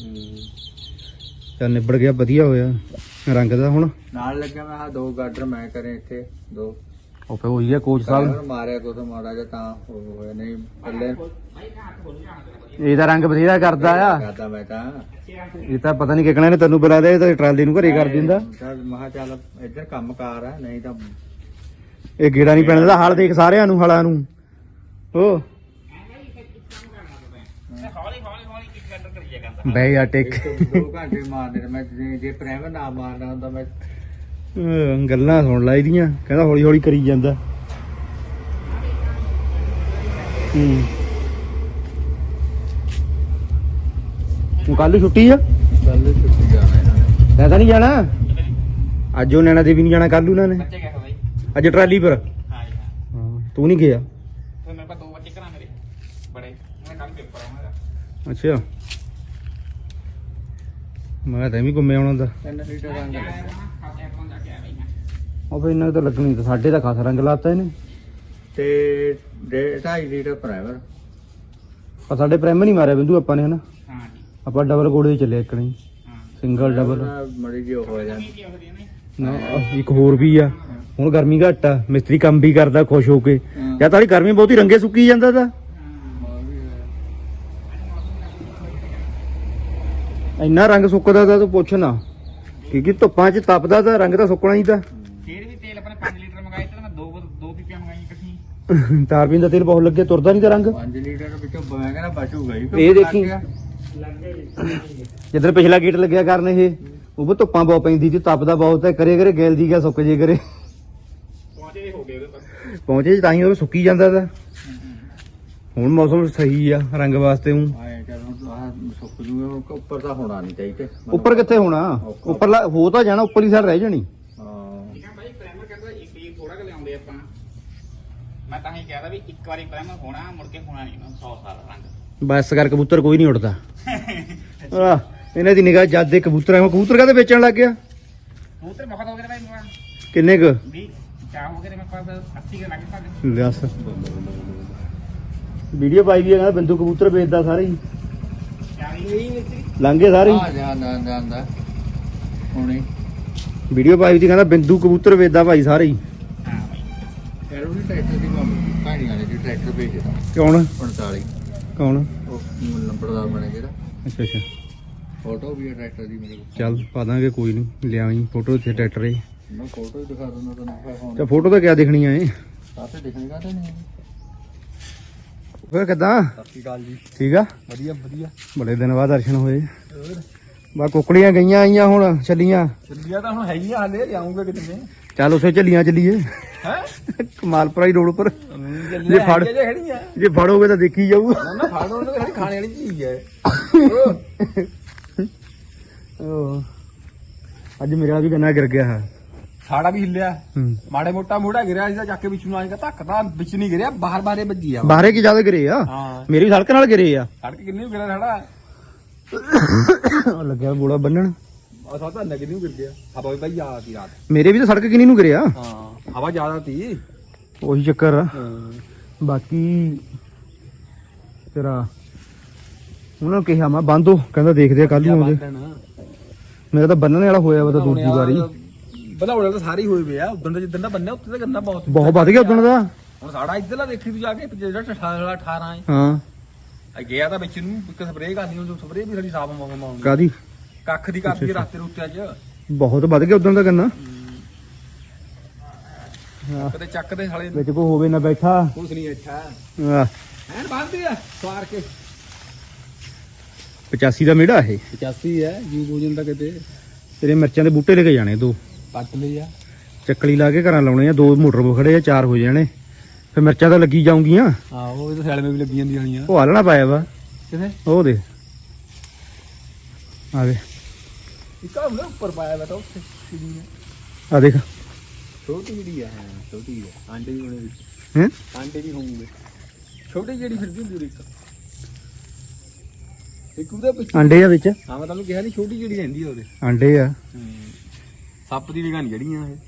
ਚੱਲ ਨਿਬੜ ਗਿਆ ਵਧੀਆ ਹੋਇਆ ਰੰਗ ਦਾ ਹੁਣ ਨਾਲ ਲੱਗਿਆ ਮੈਂ ਆ 2 ਗਾਡਰ ਮੈਂ ਕਰੇ ਇੱਥੇ 2 ਉਹ ਫੇ ਹੋਈ ਆ ਕੋਚ ਸਾਹਿਬ ਮਾਰਿਆ ਕੋ ਤਾਂ ਮਾੜਾ ਜਿਹਾ ਤਾਂ ਹੋਇਆ ਨਹੀਂ ਥੱਲੇ ਇਹਦਾ ਰੰਗ ਬਥੇਰਾ ਕਰਦਾ ਆ ਕਰਦਾ ਮੈਂ ਤਾਂ ਇਹ ਤਾਂ ਪਤਾ ਨਹੀਂ ਕਿਕਣਾ ਨੇ ਤੈਨੂੰ ਬੁਲਾ ਲਿਆ ਇਹ ਤਾਂ ਟਰਾਲੀ ਨੂੰ ਘਰੇ ਕਰ ਦਿੰਦਾ ਮਹਾ ਚੱਲ ਇੱਧਰ ਕੰਮ ਕਾਰ ਆ ਨਹੀਂ ਤਾਂ ਇਹ ਗੇੜਾ ਨਹੀਂ ਪੈਣ ਦਾ ਹਾਲ ਦੇਖ ਸਾਰਿਆਂ ਨੂੰ ਹਲਾਂ ਨੂੰ ਉਹ ਹੌਲੀ ਕਿਕ ਕੱਟ ਕਰੀਏ ਕਰਦਾ ਬੈ ਜਾ ਟਿਕ 2 ਘੰਟੇ ਮਾਰਨੇ ਨੇ ਮੈਂ ਜੇ ਪ੍ਰੇਮ ਨਾ ਮਾਰਨਾ ਹੁੰਦਾ ਮੈਂ ਗੱਲਾਂ ਸੁਣ ਲੈ ਇਹਦੀਆਂ ਕਹਿੰਦਾ ਹੌਲੀ ਹੌਲੀ ਕਰੀ ਜਾਂਦਾ ਹੁਣ ਕੱਲ ਛੁੱਟੀ ਆ ਕੱਲ ਛੁੱਟੀ ਜਾਣਾ ਇਹਨਾਂ ਨੇ। ਮੈਂ ਤਾਂ ਨਹੀਂ ਜਾਣਾ ਅੱਜ ਉਹ ਨੈਣਾ ਦੇਵੀ ਨਹੀਂ ਜਾਣਾ ਕੱਲ ਉਹਨਾਂ ਨੇ ਬੱਚੇ ਗਏ ਹੋ ਬਾਈ ਅੱਜ ਟਰਾਲੀ ਪਰ ਹਾਂ ਜੀ ਹਾਂ ਹਾਂ ਤੂੰ ਨਹੀਂ ਗਿਆ ਫਿਰ ਮੇਰੇ ਪਾਸ 2 ਬੱਚੇ ਘਰਾਂ ਮੇਰੇ ਬੜੇ ਮੈਂ ਕੱਲ ਪੇਪਰ ਆ ਮੇਰਾ ਅੱਛਾ ਮੈਂ ਤਾਂ ਵੀ ਘੁੰਮੇ ਆਉਣਾ ਦਾ 3 ਲੀਟਰ ਰੰਗ ਖਾਤੇ ਅਕਾਊਂਟ ਜਾ ਕੇ ਆ ਬਈ ਮੈਂ ਉਹ ਫਿਰ ਇਹਨਾਂ ਤਾਂ ਲੱਗਣੀ ਤਾਂ ਸਾਡੇ ਤਾਂ ਖਾਸ ਰੰਗ ਲਾਤਾ ਇਹਨੇ ਤੇ 2.5 ਲੀਟਰ ਪ੍ਰਾਈਮਰ। ਪਰ ਸਾਡੇ ਪ੍ਰਾਈਮ ਨਹੀਂ ਮਾਰਿਆ ਬਿੰਦੂ ਆਪਾਂ ਨੇ ਹਨਾ ਹਾਂ ਜੀ ਆਪਾਂ ਡਬਲ ਕੋਡੇ ਦੇ ਚੱਲੇ ਇੱਕ ਨਹੀਂ ਹਾਂ ਸਿੰਗਲ ਡਬਲ ਮੜੀ ਜੀ ਹੋ ਜਾਂਦਾ। ਕੀ ਹੋ ਰਹੀ ਨੇ ਨਾ ਇੱਕ ਹੋਰ ਵੀ ਆ ਹੁਣ ਗਰਮੀ ਘੱਟ ਆ ਮਿਸਤਰੀ ਕੰਮ ਵੀ ਕਰਦਾ ਖੁਸ਼ ਹੋ ਕੇ ਜਾਂ ਤਾਂ ਗਰਮੀ ਬਹੁਤੀ ਰੰਗੇ ਸੁੱਕੀ ਜਾਂਦਾ ਤਾਂ ਇੰਨਾ ਰੰਗ ਸੁੱਕਦਾ ਤਾਂ ਤੂੰ ਪੁੱਛ ਨਾ ਕਿਉਂਕਿ ਧੁੱਪਾਂ 'ਚ ਤਪਦਾ ਤਾਂ ਰੰਗ ਤਾਂ ਸੁੱਕਣਾ ਹੀ ਤਾਂ ਫਿਰ ਵੀ ਤੇਲ ਆਪਣੇ 5 ਲੀਟਰ ਮੰਗਾਏ ਤੇ ਮੈਂ ਦੋ ਪੀਪੀਆਂ ਮੰਗਾਈਆਂ ਇਕੱਠੀ ਤਾਰਬੀਨ ਦਾ ਤੇਲ ਬਹੁਤ ਲੱਗੇ ਤੁਰਦਾ ਨਹੀਂ ਤਾਂ ਰੰਗ 5 ਲੀਟਰ ਵਿੱਚੋਂ ਮੈਂ ਕਹਿੰਦਾ ਬਚੂਗਾ ਹੀ। ਇਹ ਦੇਖੀ ਜਿੱਦਣ ਪਿਛਲਾ ਗੇਟ ਲੱਗਿਆ ਕਰਨ ਇਹ ਉਹ ਵੀ ਧੁੱਪਾਂ ਬਹੁਤ ਪੈਂਦੀ ਸੀ ਤਪਦਾ ਬਹੁਤ ਹੈ ਕਰੇ ਕਰੇ ਗੈਲ ਦੀ ਗਿਆ ਸੁੱਕ ਜੇ ਕਰੇ ਪਹੁੰਚੇ ਹੋ ਗਏ ਉਹਦੇ ਪਰ ਪਹੁੰਚੇ ਤਾਂ ਹੀ ਉਹ ਸੁੱਕੀ ਜਾਂਦਾ ਤਾਂ ਹੁਣ ਮੌਸਮ ਸਹੀ ਆ ਰੰਗ ਵਾਸਤੇ ਹੂੰ ਆਏ ਚਲ ਆਹ ਸੁੱਕ ਜੂਗਾ ਉੱਪਰ ਤਾਂ ਹੋਣਾ ਨਹੀਂ ਚਾਹੀਦਾ। ਉੱਪਰ ਕਿੱਥੇ ਹੋਣਾ ਉੱਪਰਲਾ ਹੋ ਤਾਂ ਜਾਣਾ ਉੱਪਰਲੀ ਸਾਈਡ ਰਹਿ ਜਾਣੀ ਹਾਂ ਠੀਕ ਆ ਭਾਈ ਪ੍ਰਾਈਮਰ ਕਹਿੰਦਾ ਇੱਕ ਹੀ ਥੋੜਾ ਕਿ ਲਿਆਉਂਦੇ ਆਪਾਂ ਮੈਂ ਤਾਂ ਹੀ ਕਹਿਦਾ ਵੀ ਇੱਕ ਵਾਰੀ ਪ੍ਰਾਈਮਰ ਹੋਣਾ ਮੁੜ ਕੇ ਹੋਣਾ ਨਹੀਂ 100 ਸਾਲ ਰੰਗ ਬਸ ਕਰ ਕਬੂਤਰ ਕੋਈ ਨਹੀਂ ਉੱਡਦਾ ਆ ਇਹਨਾਂ ਦੀ ਨਿਗਾਹ ਜਦ ਦੇ ਕਬੂਤਰ ਆ ਕਬੂਤਰ ਕਾਹਦੇ ਵੇਚਣ ਲੱਗ ਗਿਆ ਕਬੂਤਰ ਬਹੁਤ ਹੋ ਗਏ ਭਾਈ ਮੇਰਾ ਕਿੰਨੇ ਕੁ 20 ਚਾਹ ਹੋ ਗਏ ਮੇਰੇ ਪਾਸ 80 ਕੇ ਲੱਗੇ ਸਾਡੇ ਦੱਸ ਵੀਡੀਓ ਪਾਈ ਵੀ ਆ ਕਹਿੰਦਾ ਬਿੰਦੂ ਕਬੂਤਰ ਵੇਚਦਾ ਸਾਰੇ ਹੀ 40 ਨਹੀਂ ਮਿਸਤਰੀ ਲੰਘੇ ਸਾਰੇ ਹੀ ਆ ਜਾਂਦਾ ਹੁਣੇ ਵੀਡੀਓ ਪਾਈ ਸੀ ਕਹਿੰਦਾ ਬਿੰਦੂ ਕਬੂਤਰ ਵੇਚਦਾ ਭਾਈ ਸਾਰੇ ਹੀ ਹਾਂ ਭਾਈ ਯਾਰ ਉਹ ਟਰੈਕਟਰ ਦੀ ਕਹਾਣੀ ਵਾਲੇ ਦੀ ਟਰੈਕਟਰ ਭੇਜਦਾ ਕੌਣ 45 ਕੌਣ ਉਹ ਨੰਬਰਦਾਰ ਬਣੇ ਜਿਹੜਾ ਅੱਛਾ ਅੱਛਾ ਫੋਟੋ ਵੀ ਹੈ ਟਰੈਕਟਰ ਦੀ ਮੇਰੇ ਕੋਲ। ਚੱਲ ਪਾ ਦਾਂਗੇ ਕੋਈ ਨਹੀਂ ਲਿਆਵੀਂ ਫੋਟੋ ਇੱਥੇ ਟਰੈਕਟਰ ਏ ਮੈਂ ਫੋਟੋ ਹੀ ਦਿਖਾ ਦਿੰਦਾ ਤੈਨੂੰ ਫੋਨ ਤੇ ਫੋਟੋ ਤਾਂ ਕਿਆ ਦਿਖਣੀ ਆ ਇਹ ਸਾਥੇ ਦਿਖਣੇਗਾ ਤਾਂ ਨਹੀਂ। ਫਿਰ ਕਿੱਦਾਂ ਸਤਿ ਸ਼੍ਰੀ ਅਕਾਲ ਜੀ। ਠੀਕ ਆ ਵਧੀਆ ਵਧੀਆ ਬੜੇ ਦਿਨ ਬਾਅਦ ਦਰਸ਼ਨ ਹੋਏ ਬਾ ਕੁੱਕੜੀਆਂ ਗਈਆਂ ਆਈਆਂ ਹੁਣ ਚੱਲੀਆਂ ਚੱਲੀਆਂ ਤਾਂ ਹੁਣ ਹੈਗੀਆਂ ਹਾਲੇ ਲਿਆਉਂਗਾ ਕਿਤੇ ਚੱਲ ਉਸੇ ਚੱਲੀਆਂ ਚੱਲੀਏ ਹੈ ਕਮਾਲਪੁਰਾ ਹੀ ਰੋਡ ਉੱਪਰ ਜੇ ਫੜ- ਖੜੀਆਂ ਜੇ ਫੜੋਗੇ ਤਾਂ ਦੇਖੀ ਜਾਊ ਨਾ ਫਾੜੋ ਉਹਨਾਂ ਦੇ ਖਾਣੇ ਵਾਲੀ ਚੀਜ਼ ਹੈ। ਅੱਜ ਮੇਰੇ ਵਾਲਾ ਵੀ ਗੰਨਾ ਗਿਰ ਗਿਆ ਹੈ ਸਾੜਾ ਵੀ ਹਿੱਲਿਆ ਹੂੰ ਮਾੜੇ ਮੋਟਾ ਮੋੜਾ ਗਿਰਿਆ ਸੀ ਤਾਂ ਚੱਕ ਕੇ ਵਿੱਚ ਨੂੰ ਆਏਗਾ ਧੱਕ ਤਾਂ ਵਿੱਚ ਨਹੀਂ ਗਿਰਿਆ ਬਾਹਰ ਬਾਹਰੇ ਵੱਜੀ ਆ ਬਾਹਰੇ ਕੀ ਜ਼ਿਆਦਾ ਗਿਰੇ ਆ ਹਾਂ ਮੇਰੀ ਸੜਕ ਨਾਲ ਗਿਰੇ ਆ ਸੜਕ ਕਿੰਨੀ ਗਿਰਿਆ ਸਾੜਾ ਉਹ ਲੱਗਿਆ ਬੋੜਾ ਬੰਨਣ ਆ ਸਾਡਾ ਨਾ ਕਿੰਨੀ ਗਿਰ ਗਿਆ ਹਵਾ ਵੀ ਭਾਈ ਆ ਤੀ ਰਾਤ ਮੇਰੇ ਵੀ ਤਾਂ ਸੜਕ ਕਿੰਨੀ ਨੂੰ ਗਿਰਿਆ ਹਾਂ ਹਵਾ ਜ਼ਿਆਦਾ ਤੀ ਉਹੀ ਚੱਕਰ ਆ ਹਾਂ ਬਾਕੀ ਤੇਰਾ ਉਹਨਾਂ ਨੂੰ ਕਿਹਾ ਮੈਂ ਬੰਦੋ ਕਹਿੰਦਾ ਦੇਖਦੇ ਆ ਕੱਲ ਨੂੰ ਆਉਂਦੇ ਮੇਰਾ ਤਾਂ ਬੰਨਣ ਵਾਲਾ ਹੋਇਆ ਵਾ ਤਾਂ ਦੂਜੀ ਵਾਰੀ ਬਣਾਉਣੇ ਤਾਂ ਸਾਰੇ ਹੀ ਹੋਏ ਵੇ ਆ ਉਦੋਂ ਦਾ ਜਿੱਦਣ ਦਾ ਬੰਨਿਆ ਉੱਤੇ ਤਾਂ ਗੰਨਾ ਬਹੁਤ ਵੱਧ ਗਿਆ ਉਦੋਂ ਦਾ ਹੁਣ ਸਾਡਾ ਇੱਧਰਲਾ ਦੇਖੀ ਤੂੰ ਜਾ ਕੇ ਜਿਹੜਾ 18 ਹੈ ਹਾਂ ਆ ਗਿਆ ਤਾਂ ਵਿੱਚ ਨੂੰ ਇੱਕ ਸਪਰੇਅ ਕਰਨੀ ਉਹ ਸਪਰੇਅ ਵੀ ਸਾਡੀ ਸਾਫ ਮਾਉਂਦੀ ਕਾਦੀ ਕੱਖ ਦੀ ਕਰਦੀ ਰਸਤੇ ਰੁੱਤੇ ਅੱਜ ਬਹੁਤ ਵੱਧ ਗਿਆ ਉਦੋਂ ਦਾ ਗੰਨਾ ਕਦੇ ਚੱਕਦੇ ਸਾਲੇ ਵਿੱਚ ਕੋ ਹੋਵੇ ਨਾ ਬੈਠਾ ਕੁਛ ਨਹੀਂ ਅੱਛਾ ਆਹ, ਐਨ ਬੰਦੀ ਆ ਸਵਾਰ ਕੇ 85 ਦਾ ਮੇੜਾ ਇਹ 85 ਹੈ ਜੂ ਭੋਜਨ ਦਾ ਕਿਤੇ ਤੇਰੇ ਮਿਰਚਾਂ ਦੇ ਬੂਟੇ ਲੈ ਕੇ ਜਾਣੇ ਦੋ ਪੱਟ ਲਈ ਆ ਚੱਕਲੀ ਲਾ ਕੇ ਘਰਾਂ ਲਾਉਣੇ ਆ ਦੋ ਮੋਟਰ ਖੜੇ ਆ ਚਾਰ ਹੋ ਜਾਣੇ ਫਿਰ ਮਿਰਚਾਂ ਤਾਂ ਲੱਗੀ ਜਾਊਂਗੀਆਂ ਆਹੋ ਇਹ ਤਾਂ ਸੈਲ ਮੇ ਵੀ ਲੱਗੀ ਜਾਂਦੀਆਂ ਹਣੀਆਂ ਉਹ ਆਲਣਾ ਪਾਇਆ ਵਾ ਕਿਥੇ ਉਹ ਦੇ ਆ ਦੇ ਇੱਕ ਆ ਉੱਪਰ ਪਾਇਆ ਬੈਠਾ ਉੱਥੇ ਕਿਹਦੀ ਹੈ ਆ ਦੇਖ ਛੋਟੀ ਜਿਹੜੀ ਆ ਹਾਂ ਛੋਟੀ ਹੈ ਆਂਡੇ ਵੀ ਹੋਣੇ ਵਿੱਚ ਹੈ ਆਂਡੇ ਵੀ ਹੋਣਗੇ ਛੋਟੀ ਜਿਹੜੀ ਫਿਰਦੀ ਹੁੰਦੀ ਉਹਦੇ ਇੱਕ ਉਹਦੇ ਪਿੱਛੇ ਆਂਡੇ ਆ ਵਿੱਚ ਹਾਂ ਮੈਂ ਤੁਹਾਨੂੰ ਕਿਹਾ ਨਹੀਂ ਛੋਟੀ ਜਿਹੜੀ ਰਹਿੰਦੀ ਆ ਉਹਦੇ ਆਂਡੇ ਆ ਸੱਪ ਦੀ ਨਿਗਾਹ ਨਹੀਂ ਜੜੀਆਂ ਇਹ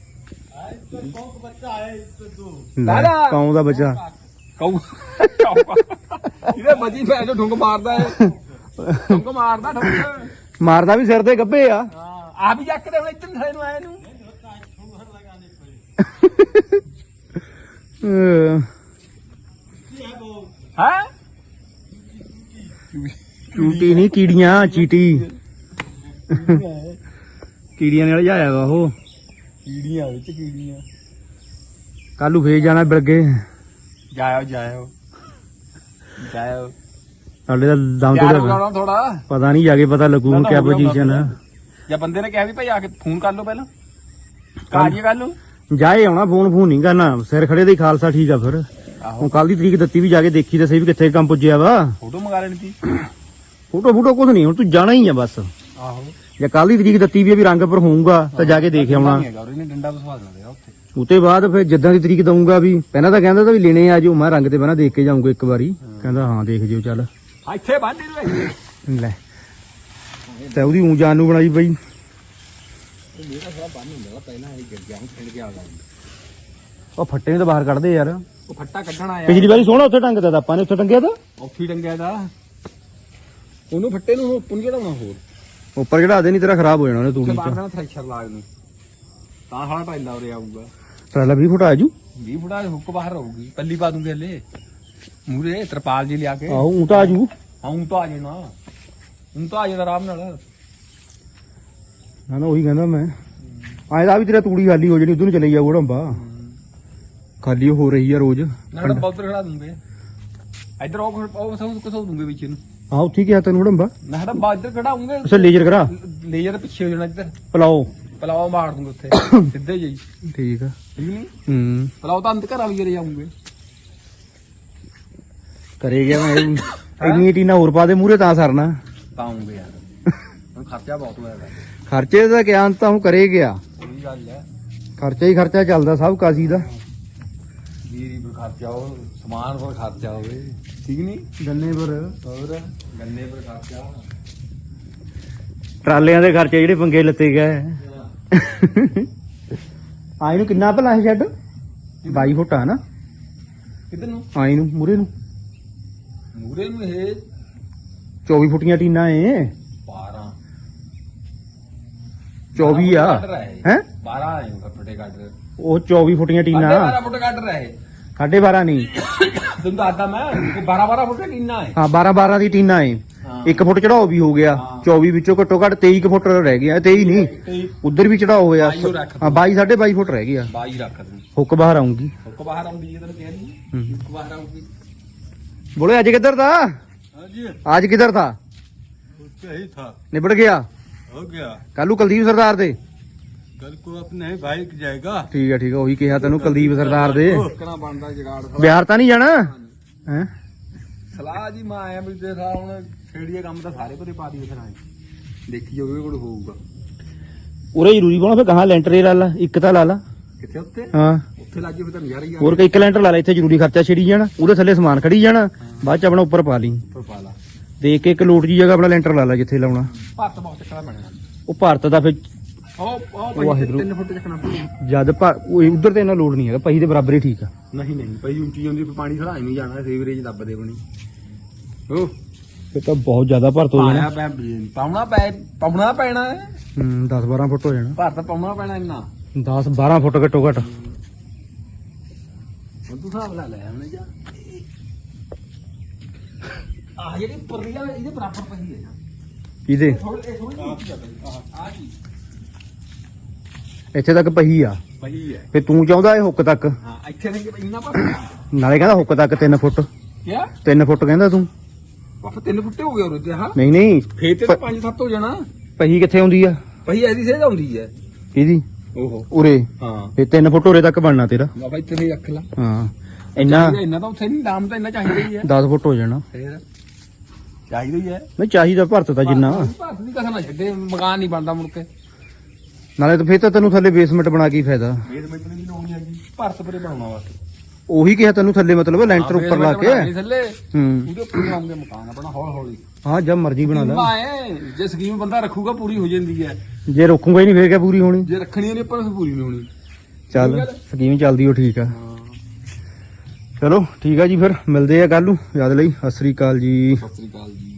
ਲੈ ਕੌਂ ਦਾ ਬੱਚਾ ਕਉ ਇਹਦੇ ਬੱਜੀ ਮੈਂ ਜੋ ਢੁੰਗ ਮਾਰਦਾ ਹੈ ਢੁੰਗ ਮਾਰਦਾ ਢੁੰਗ ਮਾਰਦਾ ਵੀ ਸਿਰ ਤੇ ਗੱਭੇ ਆ ਹਾਂ ਆ ਵੀ ਜੱਕਦੇ ਹੁਣ ਇੱਧਰ ਥਲੇ ਨੂੰ ਆਏ ਨੂੰ ਹੈ ਚੂਟੀ ਨਹੀਂ ਕੀੜੀਆਂ ਚੀਟੀ ਕੀੜੀਆਂ ਨਾਲ ਜਾਇਆ ਵਾ ਉਹ ਕੀੜੀਆਂ ਵਿੱਚ ਕੀੜੀਆਂ ਕੱਲੂ ਫੇਰ ਜਾਣਾ ਬਿਲਗੇ ਜਾਇਓ ਜਾਇਓ ਜਾਇਓ ਸਾਡੇ ਦਾ ਦਮ ਯਾਰ ਤੋਂ ਬੁਲਾਉਣਾ ਥੋੜਾ ਪਤਾ ਨਹੀਂ ਜਾ ਕੇ ਪਤਾ ਲੱਗੂ ਹੁਣ ਕਿਆ ਪੋਜੀਸ਼ਨ ਆ ਜਾਂ ਬੰਦੇ ਨੇ ਕਿਹਾ ਵੀ ਭਾਈ ਆ ਕੇ ਫੋਨ ਕਰ ਲਓ ਪਹਿਲਾਂ ਕਾਜੀ ਕਰ ਲਓ ਜਾਏ ਆਉਣਾ ਫੋਨ ਨਹੀਂ ਕਰਨਾ ਸਿਰ ਖੜੇ ਦੇ ਖਾਲਸਾ ਠੀਕ ਆ ਫਿਰ ਹੁਣ ਆਹੋ ਕੱਲ ਦੀ ਤਰੀਕ ਦਿੱਤੀ ਵੀ ਜਾ ਕੇ ਦੇਖੀ ਤਾਂ ਸਹੀ ਵੀ ਕਿੱਥੇ ਕੰਮ ਪੁੱਜਿਆ ਵਾ ਫੋਟੋ ਮੰਗਾ ਲੈਣੀ ਸੀ ਫੋਟੋ ਕੁਝ ਨਹੀਂ, ਹੁਣ ਤੂੰ ਜਾਣਾ ਹੀ ਆ ਬਸ। ਆਹੋ ਜੇ ਕੱਲ ਦੀ ਤਰੀਕ ਦਿੱਤੀ ਵੀ ਆ ਵੀ ਰੰਗ ਪਰ ਹੋਊਗਾ ਤਾਂ ਜਾ ਕੇ ਦੇਖ ਆਉਣਾ। ਉਹਨੇ ਡੰਡਾ ਵਸਵਾ ਦੇਣਾ ਉੱਥੇ। ਉਤੇ ਬਾਅਦ ਫਿਰ ਜਿੱਦਾਂ ਦੀ ਤਰੀਕ ਦਊਂਗਾ ਵੀ ਪਹਿਲਾਂ ਤਾਂ ਕਹਿੰਦਾ ਤਾਂ ਵੀ ਲੈਣੇ ਆ ਜਾਓ, ਮੈਂ ਰੰਗ ਤੇ ਪਹਿਲਾਂ ਦੇਖ ਕੇ ਜਾਊਂਗਾ ਇੱਕ ਵਾਰੀ। ਕਹਿੰਦਾ ਹਾਂ ਦੇਖ ਜਿਓ ਚੱਲ ਇੱਥੇ ਬੰਨ ਦੇ ਲੈ। ਤੇ ਉਹਦੀ ਊਂ ਜਾਨ ਨੂੰ ਬਣਾਈ ਬਈ। ਮੇਰਾ ਥੋੜਾ ਬੰਨ ਹੁੰਦਾ ਪਹਿਲਾਂ ਇਹ ਗਿਰ ਗਿਆ, ਹੁਣ ਛਿੰਡ ਕੇ ਆ ਗਿਆ। ਉਹ ਫੱਟੇ ਨੂੰ ਤਾਂ ਬਾਹਰ ਕੱਢਦੇ ਯਾਰ। ਉਹ ਫੱਟਾ ਕੱਢਣ ਆਇਆ ਪਿਛਲੀ ਵਾਰੀ ਸੋਹਣਾ ਉੱਥੇ ਟੰਗਦਾ ਤਾਂ ਆਪਾਂ ਨੇ, ਉੱਥੇ ਟੰਗਿਆ ਤਾਂ ਔਖੀ ਡੰਗਿਆ ਦਾ ਉਹਨੂੰ ਫੱਟੇ ਨੂੰ ਪੁੰਜੇ ਦਾ ਹੋਰ ਉੱਪਰ ਚੜਾ ਦੇ, ਨਹੀਂ ਤੇਰਾ ਖਰਾਬ ਹੋ ਜਾਣਾ ਉਹਨੇ ਤੂੜੀ ਬਾਹਰ ਚ। ਨਾਲ ਥ੍ਰੈਸ਼ਰ ਲਾਗ ਨੂੰ ਤਾਂ ਸਾਲਾ ਟਾਈਲਾ ਉਰੇ ਆਊਗਾ। ਟਰਾਲਾ 20 ਫੁੱਟ ਆ ਜੂ। 20 ਫੁੱਟਾ ਹੁੱਕ ਬਾਹਰ ਰਹੂਗੀ, ਪੱਲੀ ਪਾ ਦੂੰਗੇ ਹਲੇ ਮੂਰੇ ਤਰਪਾਲ ਜੀ ਲਿਆ ਕੇ। ਆਹੋ ਊਂ ਤਾਂ ਆ ਜੂ। ਹਾਂ ਊਂ ਤਾਂ ਆ ਜਾਣਾ, ਊਂ ਤਾਂ ਆ ਜਾਣਾ ਆਰਾਮ ਨਾਲ। ਨਾ ਉਹੀ ਕਹਿੰਦਾ ਮੈਂ, ਆਏ ਦਾ ਵੀ ਤੇਰਾ ਤੂੜੀ ਖਾਲੀ ਹੋ ਜਣੀ, ਉਧਰ ਨੂੰ ਚਲੇ ਜਾਊਗਾ ਢੰਬਾ। ਖਾਲੀ ਹੋ ਰਹੀ ਆ ਰੋਜ਼। ਨਾ ਬਹੁਤ ਖੜਾ ਦੂੰਗੇ ਇੱਧਰ ਉਹ ਕਸੋ ਦੂੰਗੇ ਵਿੱਚ ਨੂੰ। ਹਾਂ ਉੱਥੇ ਕਿਹਾ ਤੈਨੂੰ ਢੰਬਾ। ਨਾ ਸਾਡਾ ਇੱਧਰ ਖੜਾਉਂਗੇ, ਅੱਛਾ ਲੇਜ਼ਰ ਕਰਾ ਲੇਜ਼ਰ ਪਿੱਛੇ ਹੋ ਜਾਣਾ ਇੱਧਰ। ਪਲਾਓ ਪਲਾਓ ਮਾਰ ਦੂੰਗੇ ਉੱਥੇ ਸਿੱਧੇ ਜਿਹੀ, ਠੀਕ ਆ। ਠੀਕ ਨਹੀਂ? ਹੂੰ ਪਲਾਓ ਤਾਂ ਅੰਤ ਘਰ ਵਾਲੀ ਜਿਹੜੇ ਜਾਉਂਗੇ। ਕਰੇ ਗਿਆ ਮੈਂ ਇੰਨੀ ਟੀਨਾ ਹੋਰ ਪਾ ਦੇ ਮੂਰੇ ਤਾਂ ਸਰਨਾ। ਪਾਉਂਗੇ ਯਾਰ ਹੁਣ ਖਰਚਾ ਬਹੁਤ ਹੋਇਆ ਹੈ। ਖਰਚੇ ਦਾ ਗਿਆਨ ਤਾਂ ਹੁਣ ਕਰੇ ਗਿਆ, ਉਹੀ ਗੱਲ ਹੈ। ਖਰਚਾ ਹੀ ਖਰਚਾ ਚੱਲਦਾ ਸਭ ਕਾਸੀ ਦਾ। ਜੀਰੀ ਪਰ ਖਰਚਾ ਹੋ, ਸਮਾਨ ਪਰ ਖਰਚਾ ਹੋਵੇ, ਠੀਕ ਨਹੀਂ? ਗੰਨੇ ਪਰ ਹੋਰ ਗੰਨੇ ਪਰ ਖਰਚਾ, ਟਰਾਲਿਆਂ ਦੇ ਖਰਚੇ ਜਿਹੜੇ ਪੰਗੇ ਲੱਤੇ ਗਏ। ਆਈ ਨੂੰ ਕਿੰਨਾ ਭਲਾ ਹੈ ਸ਼ੈੱਡ? 22 ਫੁੱਟ ਆ ਨਾ ਕਿੱਧਰ ਨੂੰ? ਆਈ ਨੂੰ ਮੂਰੇ ਨੂੰ ਮੂਰੇ ਨੂੰ ਇਹ 24 ਫੁੱਟੀਆਂ ਟੀਨਾ ਏ। 12 24 ਆ ਹੈ 12 ਆਏ ਫੁੱਟੇ ਕੱਢ ਰਹੇ, ਉਹ 24 ਫੁੱਟੀਆਂ ਟੀਨਾ 12 ਫੁੱਟ ਕੱਢ ਰਹੇ। 12.5 ਨਹੀਂ ਤੈਨੂੰ ਦੱਸਦਾ ਮੈਂ 12 ਫੁੱਟ ਕਿੰਨਾ ਹੈ। ਹਾਂ 12 ਦੀ ਟੀਨਾ ਏ। ਹਾਂ। 1 ਫੁੱਟ ਚੜਾਓ ਵੀ ਹੋ ਗਿਆ, ਹਾਂ। 24 ਵਿੱਚੋਂ ਘੱਟੋ ਘੱਟ 23 ਕੁ ਫੁੱਟ ਰਹਿ ਗਿਆ। 23 ਨਹੀਂ ਉਧਰ ਵੀ ਚੜਾਓ ਹੋਇਆ। 22 ਰੱਖ ਹਾਂ 22 22.5 ਫੁੱਟ ਰਹਿ ਗਿਆ। 22 ਰੱਖ ਦੂੰ, ਹੁੱਕ ਬਾਹਰ ਆਉਂਗੀ। ਹੁੱਕ ਬਾਹਰ ਆਉਂਦੀ ਹੈ ਤੈਨੂੰ ਕਹਿ ਰਹੀ ਹੂੰ। ਹੁੱਕ ਬਾਹਰ ਆਉਂਦੀ। ਬੋਲੇ ਅੱਜ ਕਿੱਧਰ था? ਹਾਂਜੀ आज किधर था? सही था, निबड़ गया हो गया। ਕੱਲੂ ਕੁਲਦੀਪ ਸਰਦਾਰ ਦੇ। कल को अपने भाई जाएगा। ਠੀਕ ਹੈ ਉਹੀ ਕਿਹਾ ਤੈਨੂੰ ਕੁਲਦੀਪ ਸਰਦਾਰ ਦੇ। ਕਿਹਨਾਂ ਬਣਦਾ ਜਗਾੜ ਬਿਹਾਰ ਤਾਂ ਨਹੀਂ ਜਾਣਾ ਹੈ? ਸਲਾਹ ਜੀ ਮੈਂ ਆਇਆ ਵੀ ਦੇਖਾ ਹੁਣ ਛੇੜੀਏ ਕੰਮ ਤਾਂ ਸਾਰੇ ਪਰੇ ਪਾ ਦਈਏ ਫਿਰ ਆਏ ਦੇਖੀ ਜਾਵੇ ਕੋਲ ਹੋਊਗਾ। ਉਰੇ ਜ਼ਰੂਰੀ ਪਾਉਣਾ ਫਿਰ ਕਹਾਂ ਲੈਂਟਰ ਹੀ ਲਾ ਲਾ, ਇੱਕ ਤਾਂ ਲਾ ਲਾ। ਕਿੱਥੇ ਉੱਤੇ? ਹਾਂ ਉੱਥੇ ਲੱਗੇ ਫਿਰ ਤਾਂ ਨਜ਼ਾਰਾ ਹੀ ਆ। ਹੋਰ ਇੱਕ ਲੈਂਟਰ ਲਾ ਲੈ, ਇੱਥੇ ਜ਼ਰੂਰੀ ਖਰਚਾ ਛਿੜੀ ਜਾਣਾ, ਉਹਦੇ ਥੱਲੇ ਸਮਾਨ ਖੜੀ ਜਾਣਾ, ਬਾਅਦ ਚ ਆਪਣਾ ਉੱਪਰ ਪਾ ਲਈ। ਉੱਪਰ ਪਾ ਲਾ, ਦੇਖ ਕੇ ਇੱਕ ਲੋਟ ਜੀ ਜਗ੍ਹਾ ਆਪਣਾ ਲੈਂਟਰ ਲਾ ਲਾ ਜਿੱਥੇ ਲਾਉਣਾ। ਭਾਰਤ ਬਹੁਤ ਚੱਕਣਾ ਪੈਣਾ। ਉਹ ਭਾਰਤ ਦਾ ਫਿਰ ਉਹ ਵਾਹਿਗੁਰੂ। 3 ਫੁੱਟ ਚੱਕਣਾ ਪਊ। ਜਦ ਉਧਰ ਤੇ ਇਹਨਾਂ ਲੋਡ ਨਹੀਂ ਹੈਗਾ, ਪਹੀ ਦੇ ਬਰਾਬਰ ਹੀ ਠੀਕ ਆ। ਨਹੀਂ ਪਈ ਉੱਚੀ ਜਾਂਦੀ ਪਾਣੀ ਖੜਾ ਨਹੀਂ ਜਾਣਾ, ਸੀਵਰੇਜ ਦੱਬਦੇ ਬਣੀ। ਉਹ ਫਿਰ ਤਾਂ ਬਹੁਤ ਜ਼ਿਆਦਾ ਭਰਤ ਹੋ ਜਾਣਾ। ਪਾਉਣਾ ਪੈਣਾ ਹੈ। 10-12 ਫੁੱਟ ਹੋ ਜਾਣਾ। ਭਾਰਤ ਪਾਉਣਾ ਪੈਣਾ ਇੰਨਾ। 10-12 ਫੁੱਟ ਘੱਟੋ ਘੱਟ। ਹੁਣ ਤੂੰ ਹਿਸਾਬ ਲਾ ਲੈ ਹੁਣ ਜਾ ਆਹ ਜਿਹੜੀ ਉੱਪਰ ਦੀ ਆ ਇਹਦੇ ਬਰਾਬਰ ਪਈ ਹੈ। ਇਹਦੇ ਥੋੜੀ ਆ ਕੀ ਇੱਥੇ ਤੱਕ ਪਹੀ ਆ, ਪਈ ਹੈ। ਫਿਰ ਤੂੰ ਚਾਹੁੰਦਾ ਇਹ ਹੁੱਕ ਤੱਕ, ਹਾਂ ਇੱਥੇ ਨਹੀਂ ਇੰਨਾ ਪਰ ਨਾਲੇ ਕਹਿੰਦਾ ਹੁੱਕ ਤੱਕ 3 ਫੁੱਟ। ਕਿਆ 3 ਫੁੱਟ ਕਹਿੰਦਾ ਤੂੰ। ਵਾਹ 3 ਫੁੱਟੇ ਹੋ ਗਏ ਉਰੇ ਤੇ। ਹਾਂ ਨਹੀਂ ਫੇਰ ਤੇ 5-7 ਹੋ ਜਾਣਾ। ਪਹੀ ਕਿੱਥੇ ਆਉਂਦੀ ਆ? ਪਈ ਐਦੀ ਸੇਧ ਆਉਂਦੀ ਹੈ ਇਹਦੀ ਓਹੋ। ਉਰੇ, ਹਾਂ ਫਿਰ 3 ਫੁੱਟ ਉਰੇ ਤੱਕ ਬਣਨਾ ਤੇਰਾ। ਬਾਬਾ ਇੱਥੇ ਵੀ ਰੱਖ ਲਾ। ਹਾਂ ਇੰਨਾ ਇੰਨਾ ਤਾਂ ਉੱਥੇ ਨਹੀਂ, ਨਾਮ ਤਾਂ ਇੰਨਾ ਚਾਹੀਦਾ ਹੀ ਹੈ। 10 ਫੁੱਟ ਹੋ ਜਾਣਾ। ਫੇਰ ਚਾਹੀਦਾ ਹੀ ਹੈ। ਨਹੀਂ ਚਾਹੀਦਾ ਭਰਤ ਦਾ ਜਿੰਨਾ, ਭਾਰਤ ਦੀ ਕਸਮ ਨਾ ਛੱਡੇ, ਮਕਾਨ ਨਹੀਂ ਬਣਦਾ ਮੁੜ ਕੇ। ਨਾਲੇ ਤਾਂ ਫਿਰ ਤਾਂ ਤੈਨੂੰ ਥੱਲੇ ਬੇਸਮੈਂਟ ਬਣਾ ਕੇ ਹੀ ਫਾਇਦਾ। ਬੇਸਮੈਂਟ ਨਹੀਂ ਲਾਉਣੀ ਹੈਗੀ, ਭਾਰਤ ਪਰੇ ਬਣਾਉਣਾ ਬਸ। ਉਹੀ ਕਿਹਾ ਤੈਨੂੰ ਥੱਲੇ ਮਤਲਬ ਲੈਂਟਰ ਉੱਪਰ ਲਾ ਕੇ। ਥੱਲੇ ਹੂੰ ਉਹਦੇ ਉੱਪਰ ਬਣਾਉਂਗੇ ਮਕਾਨ ਆਪਣਾ ਹੌਲੀ ਹੌਲੀ। ਹਾਂ ਜਦ ਮਰਜ਼ੀ ਬਣਾ ਲੈ। ਆਏ ਜੇ ਸਕੀਮ ਬੰਦਾ ਰੱਖੂਗਾ ਪੂਰੀ ਹੋ ਜਾਂਦੀ ਹੈ, ਜੇ ਰੋਕੂਗਾ ਹੀ ਨਹੀਂ ਫੇਰ ਕਿਆ ਪੂਰੀ ਹੋਣੀ। ਜੇ ਰੱਖਣੀ ਨਹੀਂ ਪਰ ਪੂਰੀ ਨਹੀਂ ਹੋਣੀ। ਚੱਲ ਸਕੀਮ ਚੱਲਦੀ ਉਹ ਠੀਕ ਆ। ਹਾਂ ਚਲੋ ਠੀਕ ਆ ਜੀ, ਫਿਰ ਮਿਲਦੇ ਆ ਕੱਲ ਨੂੰ। ਯਾਦ ਲਈ ਸਤਿ ਸ੍ਰੀ ਅਕਾਲ ਜੀ। ਸਤਿ ਸ੍ਰੀ ਅਕਾਲ ਜੀ।